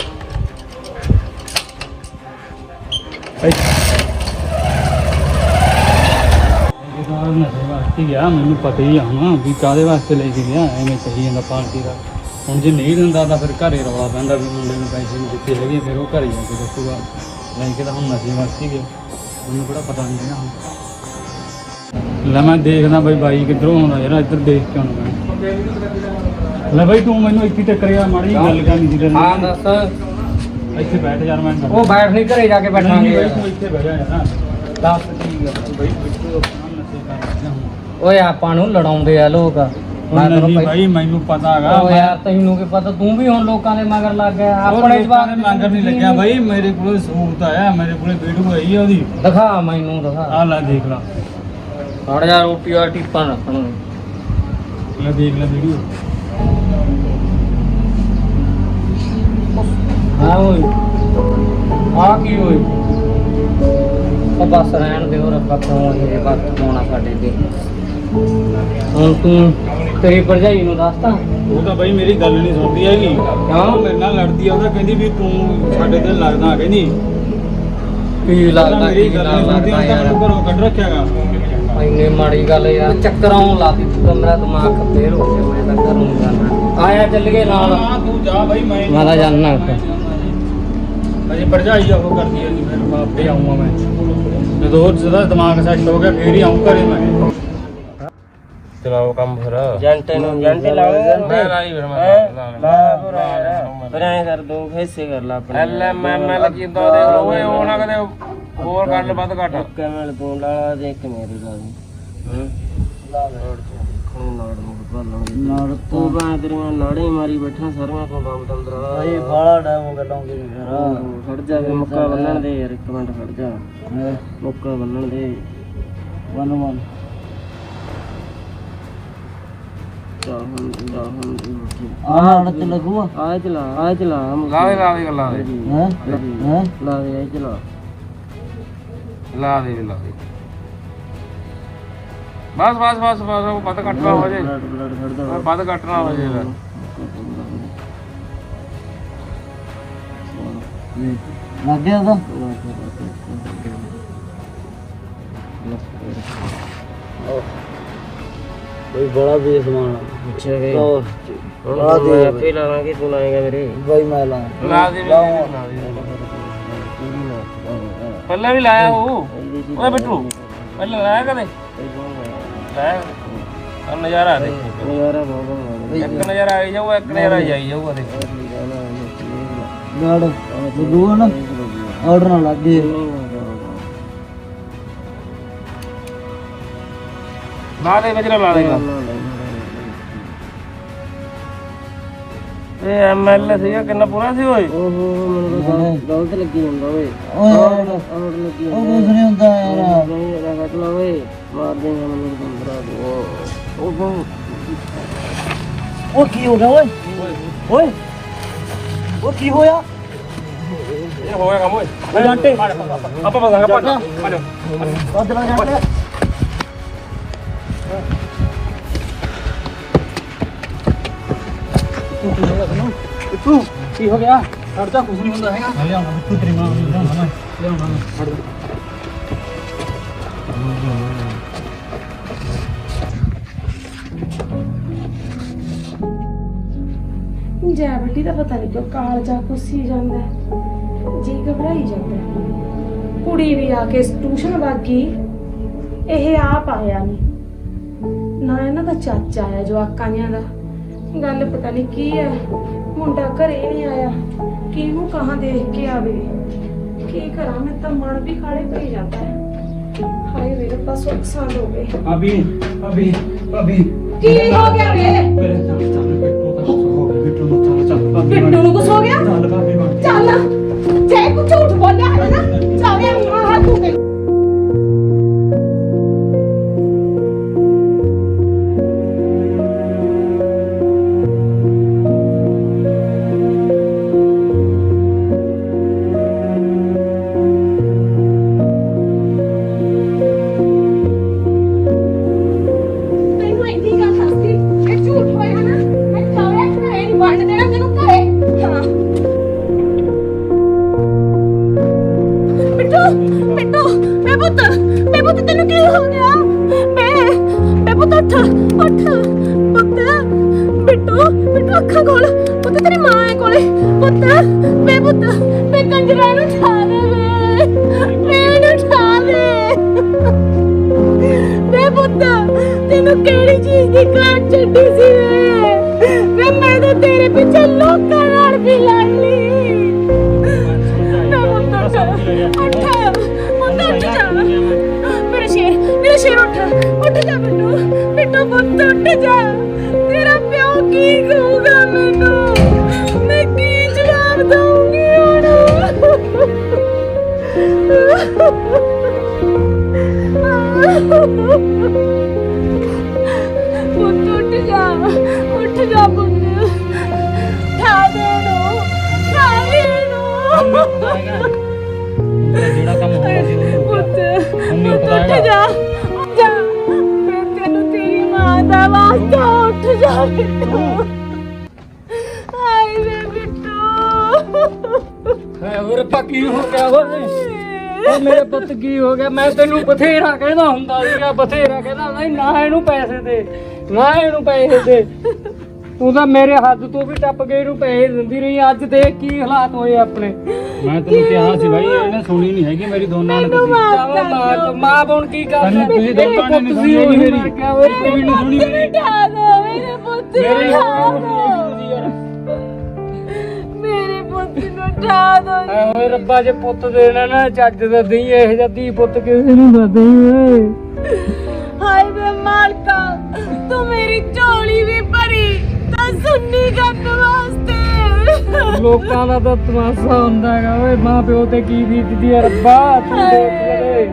ਨਸ਼ੇ ਵਾਸਤੇ ਗਿਆ ਮੈਨੂੰ ਪਤਾ ਹੀ ਆ ਹੁਣ ਵੀ ਕਾਹਦੇ ਵਾਸਤੇ ਲੈ ਕੇ ਗਿਆ ਐਵੇਂ ਕਹੀ ਜਾਂਦਾ ਪਾਰਟੀ ਦਾ ਹੁਣ ਜੇ ਨਹੀਂ ਦਿੰਦਾ ਤਾਂ ਫਿਰ ਘਰੇ ਰੌਲਾ ਪੈਂਦਾ ਵੀ ਮੁੰਡੇ ਨੂੰ ਪੈਸੇ ਨਹੀਂ ਦਿੱਤੇ ਹੈਗੇ ਫਿਰ ਉਹ ਘਰੇ ਜਾ ਕੇ ਦੱਸੂਗਾ ਲੈ ਕੇ ਤਾਂ ਹੁਣ ਨਸ਼ੇ ਵਾਸਤੇ ਗਿਆ ਮੈਨੂੰ ਕਿਹੜਾ ਪਤਾ ਨਹੀਂ ਹੈਗਾ ਹੁਣ ਲੈ ਮੈਂ ਦੇਖਦਾ ਬਈ ਬਾਈ ਕਿੱਧਰੋਂ ਆਉਂਦਾ ਯਾਰ ਇੱਧਰ ਦੇਖ ਕੇ ਆਉਣਾ ਮੈਂ ਲੈ ਬਈ ਤੂੰ ਮੈਨੂੰ ਇੱਥੇ ਟੱਕਰਿਆ ਮਾੜੀ ਜਿਹੀ ਗੱਲ ਕਰਨੀ ਸੀ ਤੇਰੇ
ਹਾਂ
ਨਾਲ।
ਦੱਸ
ਇੱਥੇ ਬੈਠ ਯਾਰ ਮੈਂ
ਉਹ ਬੈਠ ਨਹੀਂ ਘਰੇ ਜਾ ਕੇ ਬੈਠਾਂਗੇ
ਬਈ ਤੂੰ ਇੱਥੇ ਬਹਿ ਜਾ ਯਾਰ
ਦੱਸ ਠੀਕ ਆ
ਬਈ ਬਿੱਟੂ ਆਪਣਾ ਨਸ਼ੇ ਕਰ ਰਿਹਾ ਹੁਣ
ਓਏ ਆਪਾਂ ਨੂੰ ਲੜਾਉਂਦੇ ਆ ਲੋਕ ਮੈਂ ਤੈਨੂੰ
ਨਹੀਂ ਭਾਈ ਮੈਨੂੰ ਪਤਾ ਹੈਗਾ
ਓ ਯਾਰ ਤੈਨੂੰ ਕੀ ਪਤਾ ਤੂੰ ਵੀ ਹੁਣ ਲੋਕਾਂ ਦੇ ਮਗਰ ਲੱਗ ਗਿਆ ਆਪਣੇ ਜਵਾਬ
ਦੇ ਮੰਗਰ ਨਹੀਂ ਲੱਗਿਆ ਭਾਈ ਮੇਰੇ ਕੋਲ ਸਬੂਤ ਆਇਆ ਮੇਰੇ ਕੋਲੇ ਵੀਡੀਓ ਆਈ ਆ ਉਹਦੀ
ਦਿਖਾ ਮੈਨੂੰ ਦਿਖਾ
ਆ ਲੈ ਦੇਖ ਲਾ
ਹੜ ਜਾ ਰੋਟੀ ਆ ਟਿੱਪਾਂ ਰੱਖਣ ਨੂੰ
ਲੈ ਦੇਖ ਲੈ ਵੀਡੀਓ
ਹਾਂ ਓਏ ਆ ਕੀ ਓਏ ਉਹ ਬਸ ਰਹਿਣ ਦੇ ਹੋਰ ਆਪਾਂ ਕਿਉਂ ਇਹ ਵਕਤ ਪਾਉਣਾ ਸਾਡੇ ਤੇ ਹੁਣ ਤੂੰ ਤੇਰੀ ਭਰਜਾਈ ਨੂੰ ਦੱਸਤਾ
ਉਹ ਤਾਂ ਭਾਈ ਮੇਰੀ ਗੱਲ ਨਹੀਂ ਸੁਣਦੀ ਹੈਗੀ ਉਹ ਮੇਰੇ ਨਾਲ ਲੜਦੀ ਆ ਉਹਦਾ ਕਹਿੰਦੀ ਵੀ ਤੂੰ ਸਾਡੇ ਤੇ ਲੱਗਦਾ ਕਹਿੰਦੀ
ਕੀ ਲੱਗਦਾ
ਮੇਰੀ
ਕੀ
ਗੱਲ
ਨਾਲ
ਨਹੀਂ ਸੁਣਦੀ
ਲੱਗਦਾ
ਉਹ ਤਾਂ
ਯਾਰ
ਮੈਨੂੰ ਘਰੋਂ ਕੱਢ ਰੱਖਿਆਗਾ
ਇੰਨੀ ਮਾੜੀ ਗੱਲ ਯਾਰ ਚੱਕਰਾਂ ਲਾਤੀ ਤੂੰ ਤਾਂ ਮੇਰਾ ਦਿਮਾਗ ਫੇਰ ਹੋ ਗਿਆ ਮੈਂ ਤਾਂ ਘਰ ਨੂੰ ਜਾਣਾ ਆਇਆ ਚੱਲ ਗਏ ਨਾਲ
ਹਾਂ ਤੂੰ ਜਾ ਭਾਈ
ਮੈਂ ਤਾਂ ਜਾਣਾ
ਅਜੇ ਭਰਜਾਈ ਆ ਉਹ ਕਰਦੀ ਆ ਜੀ ਫਿਰ ਆਪੇ ਆਉਂਗਾ ਮੈਂ ਜਦੋਂ ਉਹਦਾ ਦਿਮਾਗ ਸੈੱਟ ਹੋ ਗਿਆ ਫੇਰ ਹੀ ਆਉਂ ਘਰੇ ਮੈਂ
ਚਲਾਓ ਕੰਮ ਫਿਰ
ਜੰਟੇ ਨੂੰ ਜੰਟੇ ਲਾ
ਮੈਂ ਲਾਈ ਫਿਰ ਮੈਂ
ਫਿਰ ਐਂ ਕਰ ਦੋ ਹਿੱਸੇ ਕਰ ਲਾ ਆਪਣੇ
ਐਲ ਕੀਤਾ ਦੇਖ ਲਓ ਓਏ ਉਹ ਨਾ ਕਦੇ ਹੋਰ ਕਰ ਲੈ ਵੱਧ ਘੱਟ
ਕਿਵੇਂ ਤੂੰ ਲਾ ਦੇ ਇੱਕ ਮੇਰੀ ਲਾ ਦੇ ਲਾ ਨਾੜ ਤੂੰ ਬਾਂ ਤੇਰੀਆਂ ਨਾੜੇ ਮਾਰੀ ਬੈਠਾ ਸਾਰੀਆਂ ਤੋਂ ਦਮ ਤੰਦਰਾ ਇਹ ਬਾਲਾ ਡਾਉਂ ਗੱਲਾਂਗੇ ਫਿਰ ਖੜ ਜਾ ਕੇ ਮੁੱਕਾ ਬੰਨਣ ਦੇ ਯਾਰ ਇੱਕ ਮਿੰਟ ਖੜ ਜਾ ਮੁੱਕਾ ਬੰਨਣ ਦੇ ਵਨ ਆਹ ਤੇ ਲੱਗੂਆ ਆ ਚਲਾ
ਲਾ ਦੇ ਗੱਲਾਂ ਦੇ
ਲਾ ਦੇ ਇਹ ਚਲਾ
ਲਾ ਦੇ ਬਸ ਉਹ ਵੱਧ ਘੱਟ ਨਾ ਹੋ ਜੇ
ਬਲੱਡ ਖੜਦਾ
ਵੱਧ ਘੱਟ ਨਾ ਹੋ ਜੇ
ਲੱਗ ਗਿਆ ਉਹਦਾ ਕੋਈ ਬੜਾ ਵੀ ਸਮਾਨ ਅੱਛਾ ਵੇ ਆ ਦੇ ਆਪੇ ਲਾਵਾਂਗੇ ਤੂੰ ਲਾਏਗਾ ਮੇਰੇ ਬਾਈ ਮੈਂ ਲਾ
ਪਹਿਲਾਂ ਵੀ ਲਾਇਆ ਉਹ ਓਏ ਬਿੱਟੂ ਪਹਿਲਾਂ ਲਾਇਆ ਕਦੇ ਲਾਇਆ ਆ ਨਜ਼ਾਰਾ ਦੇ
ਨਜ਼ਾਰਾ ਬਹੁਤ
ਇੱਕ ਨਜ਼ਾਰਾ ਆਈ ਜਾਊਗਾ ਇੱਕ ਨਜ਼ਾਰਾ ਜਾਈ ਜਾਊਗਾ ਦੇ
ਗਾੜ ਲੱਗੂਗਾ ਨਾ ਆਰਡਰ ਨਾ ਲੱਗੇ
ਲਾ ਦੇ ਵਿੱਚ ਲਾ ਦੇਗਾ ਇਹ ਐਮਐਲ ਸੀਗਾ ਕਿੰਨਾ ਪੂਰਾ ਸੀ ਓਏ
ਓਹੋ ਮੈਨੂੰ ਗਲਤ ਲੱਗੀ ਜਾਂਦਾ ਓਏ ਆਰਡਰ ਲੱਗੀ ਉਹ ਕੁਝ ਨਹੀਂ ਹੁੰਦਾ ਯਾਰ ਨਹੀਂ ਰੱਖ ਲਾ ਓਏ ਮਾਰ ਦੇਗਾ ਮੈਨੂੰ ਬੰਦਰਾ ਉਹ ਕੀ ਹੋ ਗਿਆ ਓਏ ਓਏ ਉਹ ਕੀ ਹੋਇਆ
ਇਹ ਹੋਇਆ ਕੰਮ ਓਏ
ਜੰਟੇ
ਆਪਾਂ ਬਸਾਂਗੇ ਪਾਜੋ
ਅਦਲਾ ਜੰਟੇ
ਕੀ ਹੋ ਗਿਆ
ਛੱਡ ਜਾ ਕੁਝ ਨਹੀਂ ਹੁੰਦਾ ਹੈਗਾ ਮੈਂ ਲਿਆਉਣਾ ਬਿੱਟੂ ਤੇਰੀ ਮਾਂ ਨੂੰ ਲਿਆਉਣਾ ਮੈਂ ਲਿਆਉਣਾ ਛੱਡ ਦੇ
ਜੈ ਬੱਟੀ ਦਾ ਪਤਾ ਨਹੀਂ ਕਿਉਂ ਕਾਲ ਜਾ ਕੁੱਸੀ ਜਾਂਦਾ ਹੈ। ਜੀ ਘਬਰਾਈ ਜਾਂਦਾ ਹੈ। ਕੁੜੀ ਵੀ ਆ ਕੇ ਟਿਊਸ਼ਨ ਵਾਗੀ ਇਹ ਆਪ ਆਇਆ ਨਹੀਂ ਨਾ ਇਹਨਾਂ ਦਾ ਚਾਚਾ ਆਇਆ ਜਵਾਕਾਂ ਜਿਹਾ ਦਾ ਗੱਲ ਪਤਾ ਨਹੀਂ ਕੀ ਹੈ, ਮੁੰਡਾ ਘਰੇ ਨਹੀਂ ਆਇਆ, ਕਿਹਨੂੰ ਕਹਾਂ ਦੇਖ ਕੇ ਆਵੇ। ਕੀ ਕਰਾਂ, ਮੈਂ ਤਾਂ ਮਨ ਵੀ ਖਾਲੇ ਪਈ ਜਾਂਦਾ ਹੈ। ਹਾਏ ਮੇਰੇ ਪਾਸ ਨੁਕਸਾਨ ਹੋ ਗਏ।
ਭਾਬੀ ਭਾਬੀ ਭਾਬੀ
ਕੀ ਹੋ ਗਿਆ ਵੇ?
ਮੇਰੇ ਚੱਲ ਬਿੱਟੂ ਤਾਂ ਹੋ ਗਿਆ, ਬਿੱਟੂ ਨੂੰ ਚੱਲ ਭਾਬੀ
ਬਿੱਟੂ ਨੂੰ ਕੁਛ ਹੋ ਗਿਆ?
ਚੱਲ ਭਾਬੀ ਬਣ
ਚੱਲ, ਜੇ ਕੁਝ ਝੂਠ ਬੋਲਿਆ ਹੈ ਨਾ, ਚਾਹੇ ਮਾਂ ਤੂੰ ਤੇ ਤੈਨੂੰ ਇੰਨੀ ਗੱਲ ਦੱਸਦੀ, ਇਹ ਝੂਠ ਹੋਇਆ ਨਾ, ਮੈਂ ਚਾਹੇ ਘਰੇ ਨਹੀਂ ਵੜਨ ਦੇਣਾ ਤੈਨੂੰ ਘਰੇ। ਹਾਂ ਬਿੱਟੂ, ਮੈਂ ਪੁੱਤ ਤੈਨੂੰ ਕੀ ਹੋ ਗਿਆ? ਮੈਂ ਪੁੱਤ ਉੱਠ ਪੁੱਤ, ਬਿੱਟੂ ਅੱਖਾਂ ਖੋਲ ਪੁੱਤ, ਤੇਰੀ ਮਾਂ ਹੈ ਕੋਲੇ ਪੁੱਤ। ਮੈਂ ਕੰਜਰਾਂ ਨੂੰ ਠਾ ਦੇ, ਮੈਨੂੰ ਠਾ ਦੇ। ਮੈਂ ਪੁੱਤ ਤੈਨੂੰ ਕਿਹੜੀ ਚੀਜ਼ ਦੀ ਕਾਟ ਛੱਡੀ ਸੀ ਵੇ? ਮੈਂ ਤਾਂ ਤੇਰੇ ਪਿੱਛੇ ਲੋਕਾਂ ਨਾਲ ਵੀ ਲੜ ਲਈ। ਉੱਠ ਜਾ, ਮੇਰਾ ਸ਼ੇਰ ਉੱਠ ਜਾ ਬਿੱਟੂ ਪੁੱਤ, ਉੱਠ ਜਾ। ਤੇਰਾ ਪਿਓ ਕੀ ਕਹੂਗਾ ਮੈਨੂੰ? ਮੈਂ ਕੀ ਜਵਾਬ ਦਊਂਗੀ ਪੁੱਤ? ਉੱਠ ਜਾ ਪੁੱਤ, ਠਾ ਦੇ ਨੂੰ।
ਜਿਹੜਾ ਕੰਮ ਹੋਣਾ ਸੀ ਉਹ
ਪੁੱਤ ਉੱਠ ਜਾ, ਮੈਂ ਤੈਨੂੰ ਤੇਰੀ ਮਾਂ ਦਾ ਵਾਸਤਾ ਉੱਠ ਜਾ ਬਿੱਟੂ। ਹਾਏ ਵੇ ਬਿੱਟੂ,
ਹੈ ਹੋਰ ਪੱਕੀ ਹੋ ਗਿਆ ਓਏ। ਓ ਮੇਰੇ ਪੁੱਤ ਕੀ ਹੋ ਗਿਆ? ਮੈਂ ਤੈਨੂੰ ਬਥੇਰਾ ਕਹਿੰਦਾ ਹੁੰਦਾ ਸੀਗਾ, ਬਥੇਰਾ ਕਹਿੰਦਾ ਨਹੀਂ ਨਾ ਇਹਨੂੰ ਪੈਸੇ ਦੇ, ਨਾ ਇਹਨੂੰ ਪੈਸੇ ਦੇ। ਤੂੰ ਤਾਂ ਮੇਰੇ ਹੱਥ ਤੋਂ ਵੀ ਟੱਪ ਕੇ ਇਹਨੂੰ ਪੈਸੇ ਦਿੰਦੀ ਰਹੀ। ਅੱਜ ਦੇਖ ਕੀ ਹਾਲਾਤ ਹੋਏ ਆਪਣੇ।
ਮੈਂ ਤੈਨੂੰ ਕਿਹਾ ਸੀ ਬਾਈ, ਇਹਨੇ ਸੁਣੀ ਨਹੀਂ ਹੈਗੀ ਮੇਰੀ ਦੋਨਾਂ ਨੇ। ਤੁਸੀਂ
ਮਾਂ ਬਣ ਕੀ ਕਰ
ਤੈਨੂੰ ਤੁਸੀਂ ਦੋਨਾਂ ਨੇ ਨਹੀਂ ਸੁਣੀ ਹੈਗੀ ਮੇਰੀ, ਕੋਈ ਨਹੀਂ ਸੁਣੀ ਮੇਰੀ।
ਠਾ ਦੋ ਮੇਰੇ ਪੁੱਤ
ਮੇਰੀ
ਨੂੰ, ਠਾ ਦੋ ਮੇਰੇ ਪੁੱਤ ਨੂੰ, ਠਾ ਦੋ।
ਓਏ ਰੱਬਾ ਜੇ ਪੁੱਤ ਦੇਣਾ ਨਾ ਚੱਜ ਦਾ ਦੇਈ, ਇਹ ਜਿਹਾ ਧੀ ਪੁੱਤ ਕਿਸੇ ਨੂੰ ਨਾ ਦੇਈ ਓਏ।
ਹਾਏ ਵੇ ਮਾਲਕਾ, ਤੂੰ ਮੇਰੀ ਝੋਲੀ ਵੀ ਭਰੀ ਤਾਂ ਸੁਣਨੀ ਕਰਨ ਵਾਸਤੇ।
ਲੋਕਾਂ ਦਾ ਤਾਂ ਤਮਾਸ਼ਾ ਹੁੰਦਾ ਹੈਗਾ ਓਏ। ਮਾਂ ਪਿਓ ਤੇ ਕੀ ਬੀਤਦੀ ਹੈ ਰੱਬਾ, ਤੂੰ ਦੇਖ ਲੈ।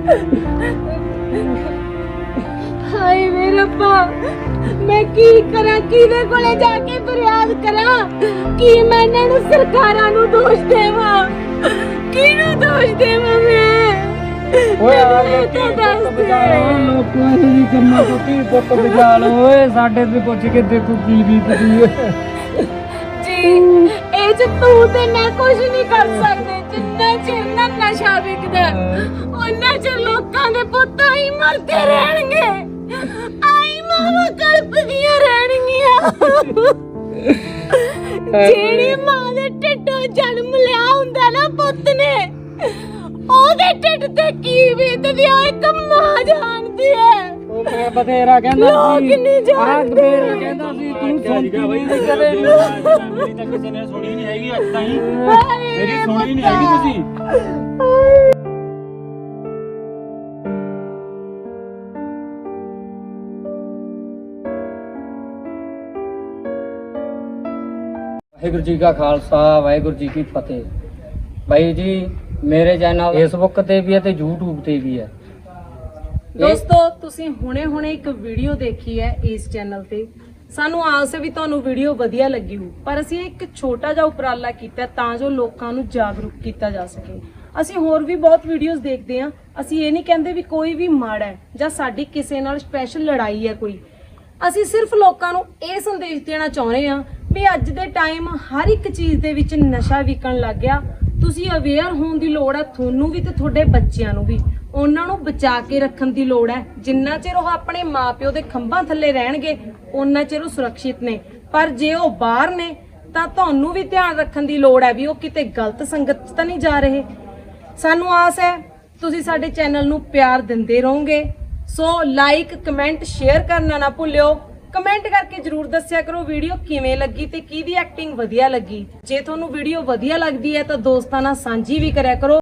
ਹਾਏ ਵੇ ਰੱਬਾ, ਮੈਂ ਕੀ ਕਰਾਂ? ਕਿਹਦੇ ਕੋਲੇ ਜਾ ਕੇ ਫਰਿਆਦ ਕਰਾਂ? ਕੀ ਮੈਂ ਇਹਨਾਂ ਨੂੰ ਸਰਕਾਰਾਂ ਨੂੰ ਦੋਸ਼ ਦੇਵਾਂ? ਕਿਹਨੂੰ ਦੋਸ਼ ਦੇਵਾਂ ਮੈਂ?
ਓਏ ਆ ਲੋਕੀ ਪੁੱਤ ਬਚਾ ਲਓ, ਲੋਕਾਂ ਦੀ ਕੰਮਾਂ ਤੋਂ ਧੀ ਪੁੱਤ ਬਚਾ ਲਓ ਓਏ। ਸਾਡੇ ਤੇ ਪੁੱਛ ਕੇ ਦੇਖੋ ਕੀ ਬੀਤਦੀ ਹੈ
ਜੀ। ਇਹ ਚ ਤੂੰ ਤੇ ਮੈਂ ਕੁਝ ਨਹੀਂ ਕਰ ਸਕਦੇ। ਜਿੰਨਾ ਚਿਰ ਨਾ ਨਸ਼ਾ ਵਿਕਦਾ, ਉਹਨਾਂ ਚਿਰ ਲੋਕਾਂ ਦੇ ਪੁੱਤ ਹੀ ਮਰਦੇ ਰਹਿਣਗੇ, ਆਈ ਮਾਵਾਂ ਕਲਪਦੀਆਂ ਰਹਿਣਗੀਆਂ। ਜਿਹੜੀ ਮਾਂ ਦੇ ਢਿੱਡੋਂ ਜਨਮ ਲਿਆ ਹੁੰਦਾ ਨਾ ਪੁੱਤ ਨੇ, ਉਹਦੇ ਢਿੱਡ ਤੇ ਕੀ ਬੀਤਦੀ ਆ ਇੱਕ ਮਾਂ ਜਾਣਦੀ ਹੈ।
ਉਹ ਮੈਂ ਬਥੇਰਾ ਕਹਿੰਦਾ
ਲੋਕ ਨਹੀਂ ਜਾਣਦੇ।
ਬਥੇਰਾ ਕਹਿੰਦਾ ਸੀ ਤੂੰ ਸੁਣਦੀ ਨਹੀਂ ਸੀ ਕਦੇ।
ਮੇਰੀ ਤਾਂ ਕਿਸੇ ਨੇ ਸੁਣੀ ਨਹੀਂ ਹੈਗੀ ਅੱਜ ਤਾਈਂ, ਮੇਰੀ ਸੁਣੀ ਨਹੀਂ ਹੈਗੀ ਤੁਸੀਂ।
ਵਾਹਿਗੁਰੂ ਜੀ ਕਾ ਖਾਲਸਾ, ਵਾਹਿਗੁਰੂ ਜੀ ਕੀ ਫਤਿਹ। ਭਾਈ ਜੀ ਮੇਰੇ ਚੈਨਲ ਫੇਸਬੁੱਕ ਤੇ ਵੀ ਹੈ ਤੇ YouTube ਤੇ ਵੀ ਹੈ।
ਦੋਸਤੋ ਤੁਸੀਂ ਹੁਣੇ ਇੱਕ ਵੀਡੀਓ ਦੇਖੀ ਹੈ ਇਸ ਚੈਨਲ ਤੇ। ਸਾਨੂੰ ਆਸ ਹੈ ਵੀ ਤੁਹਾਨੂੰ ਵੀਡੀਓ ਵਧੀਆ ਲੱਗੀ ਹੋ, ਪਰ ਅਸੀਂ ਇੱਕ ਛੋਟਾ ਜਿਹਾ ਉਪਰਾਲਾ ਕੀਤਾ ਤਾਂ ਜੋ ਲੋਕਾਂ ਨੂੰ ਜਾਗਰੂਕ ਕੀਤਾ ਜਾ ਸਕੇ। ਅਸੀਂ ਹੋਰ ਵੀ ਬਹੁਤ ਵੀਡੀਓਜ਼ ਦੇਖਦੇ ਹਾਂ। ਅਸੀਂ ਇਹ ਨਹੀਂ ਕਹਿੰਦੇ ਵੀ ਕੋਈ ਵੀ ਮਾੜਾ ਹੈ ਜਾਂ ਸਾਡੀ ਕਿਸੇ ਨਾਲ ਸਪੈਸ਼ਲ ਲੜਾਈ ਹੈ ਕੋਈ। ਅਸੀਂ ਸਿਰਫ ਲੋਕਾਂ ਨੂੰ ਇਹ ਸੰਦੇਸ਼ ਦੇਣਾ ਚਾਹੁੰਦੇ ਹਾਂ ਵੀ ਅੱਜ ਦੇ ਟਾਈਮ ਹਰ ਇੱਕ ਚੀਜ਼ ਦੇ ਵਿੱਚ ਨਸ਼ਾ ਵਿਕਣ ਲੱਗ ਗਿਆ। ਤੁਸੀਂ ਅਵੇਅਰ ਹੋਣ ਦੀ ਲੋੜ ਹੈ, ਤੁਹਾਨੂੰ ਵੀ ਤੇ ਤੁਹਾਡੇ ਬੱਚਿਆਂ ਨੂੰ ਵੀ। ਉਹਨਾਂ ਨੂੰ ਬਚਾ ਕੇ ਰੱਖਣ ਦੀ ਲੋੜ ਹੈ। ਜਿੰਨਾ ਚਿਰ ਉਹ ਆਪਣੇ ਮਾਪਿਓ ਦੇ ਖੰਭਾਂ ਥੱਲੇ ਰਹਿਣਗੇ ਉਹਨਾਂ ਚਿਰ ਉਹ ਸੁਰੱਖਿਅਤ ਨੇ, ਪਰ ਜੇ ਉਹ ਬਾਹਰ ਨੇ ਤਾਂ ਤੁਹਾਨੂੰ ਵੀ ਧਿਆਨ ਰੱਖਣ ਦੀ ਲੋੜ ਹੈ ਵੀ ਉਹ ਕਿਤੇ ਗਲਤ ਸੰਗਤ 'ਚ ਤਾਂ ਨਹੀਂ ਜਾ ਰਹੇ। ਸਾਨੂੰ ਆਸ ਹੈ ਤੁਸੀਂ ਸਾਡੇ ਚੈਨਲ ਨੂੰ ਪਿਆਰ ਦਿੰਦੇ ਰਹੋਗੇ। ਸੋ ਲਾਈਕ, ਕਮੈਂਟ, ਸ਼ੇਅਰ ਕਰਨਾ ਨਾ ਭੁੱਲਿਓ। ਕਮੈਂਟ ਕਰਕੇ ਜਰੂਰ ਦੱਸਿਆ ਕਰੋ ਵੀਡੀਓ ਕਿਵੇਂ ਲੱਗੀ ਤੇ ਕਿਹਦੀ ਐਕਟਿੰਗ ਵਧੀਆ ਲੱਗੀ। ਜੇ ਤੁਹਾਨੂੰ ਵੀਡੀਓ ਵਧੀਆ ਲੱਗਦੀ ਹੈ ਤਾਂ ਦੋਸਤਾਂ ਨਾਲ ਸਾਂਝੀ ਵੀ ਕਰਿਆ ਕਰੋ।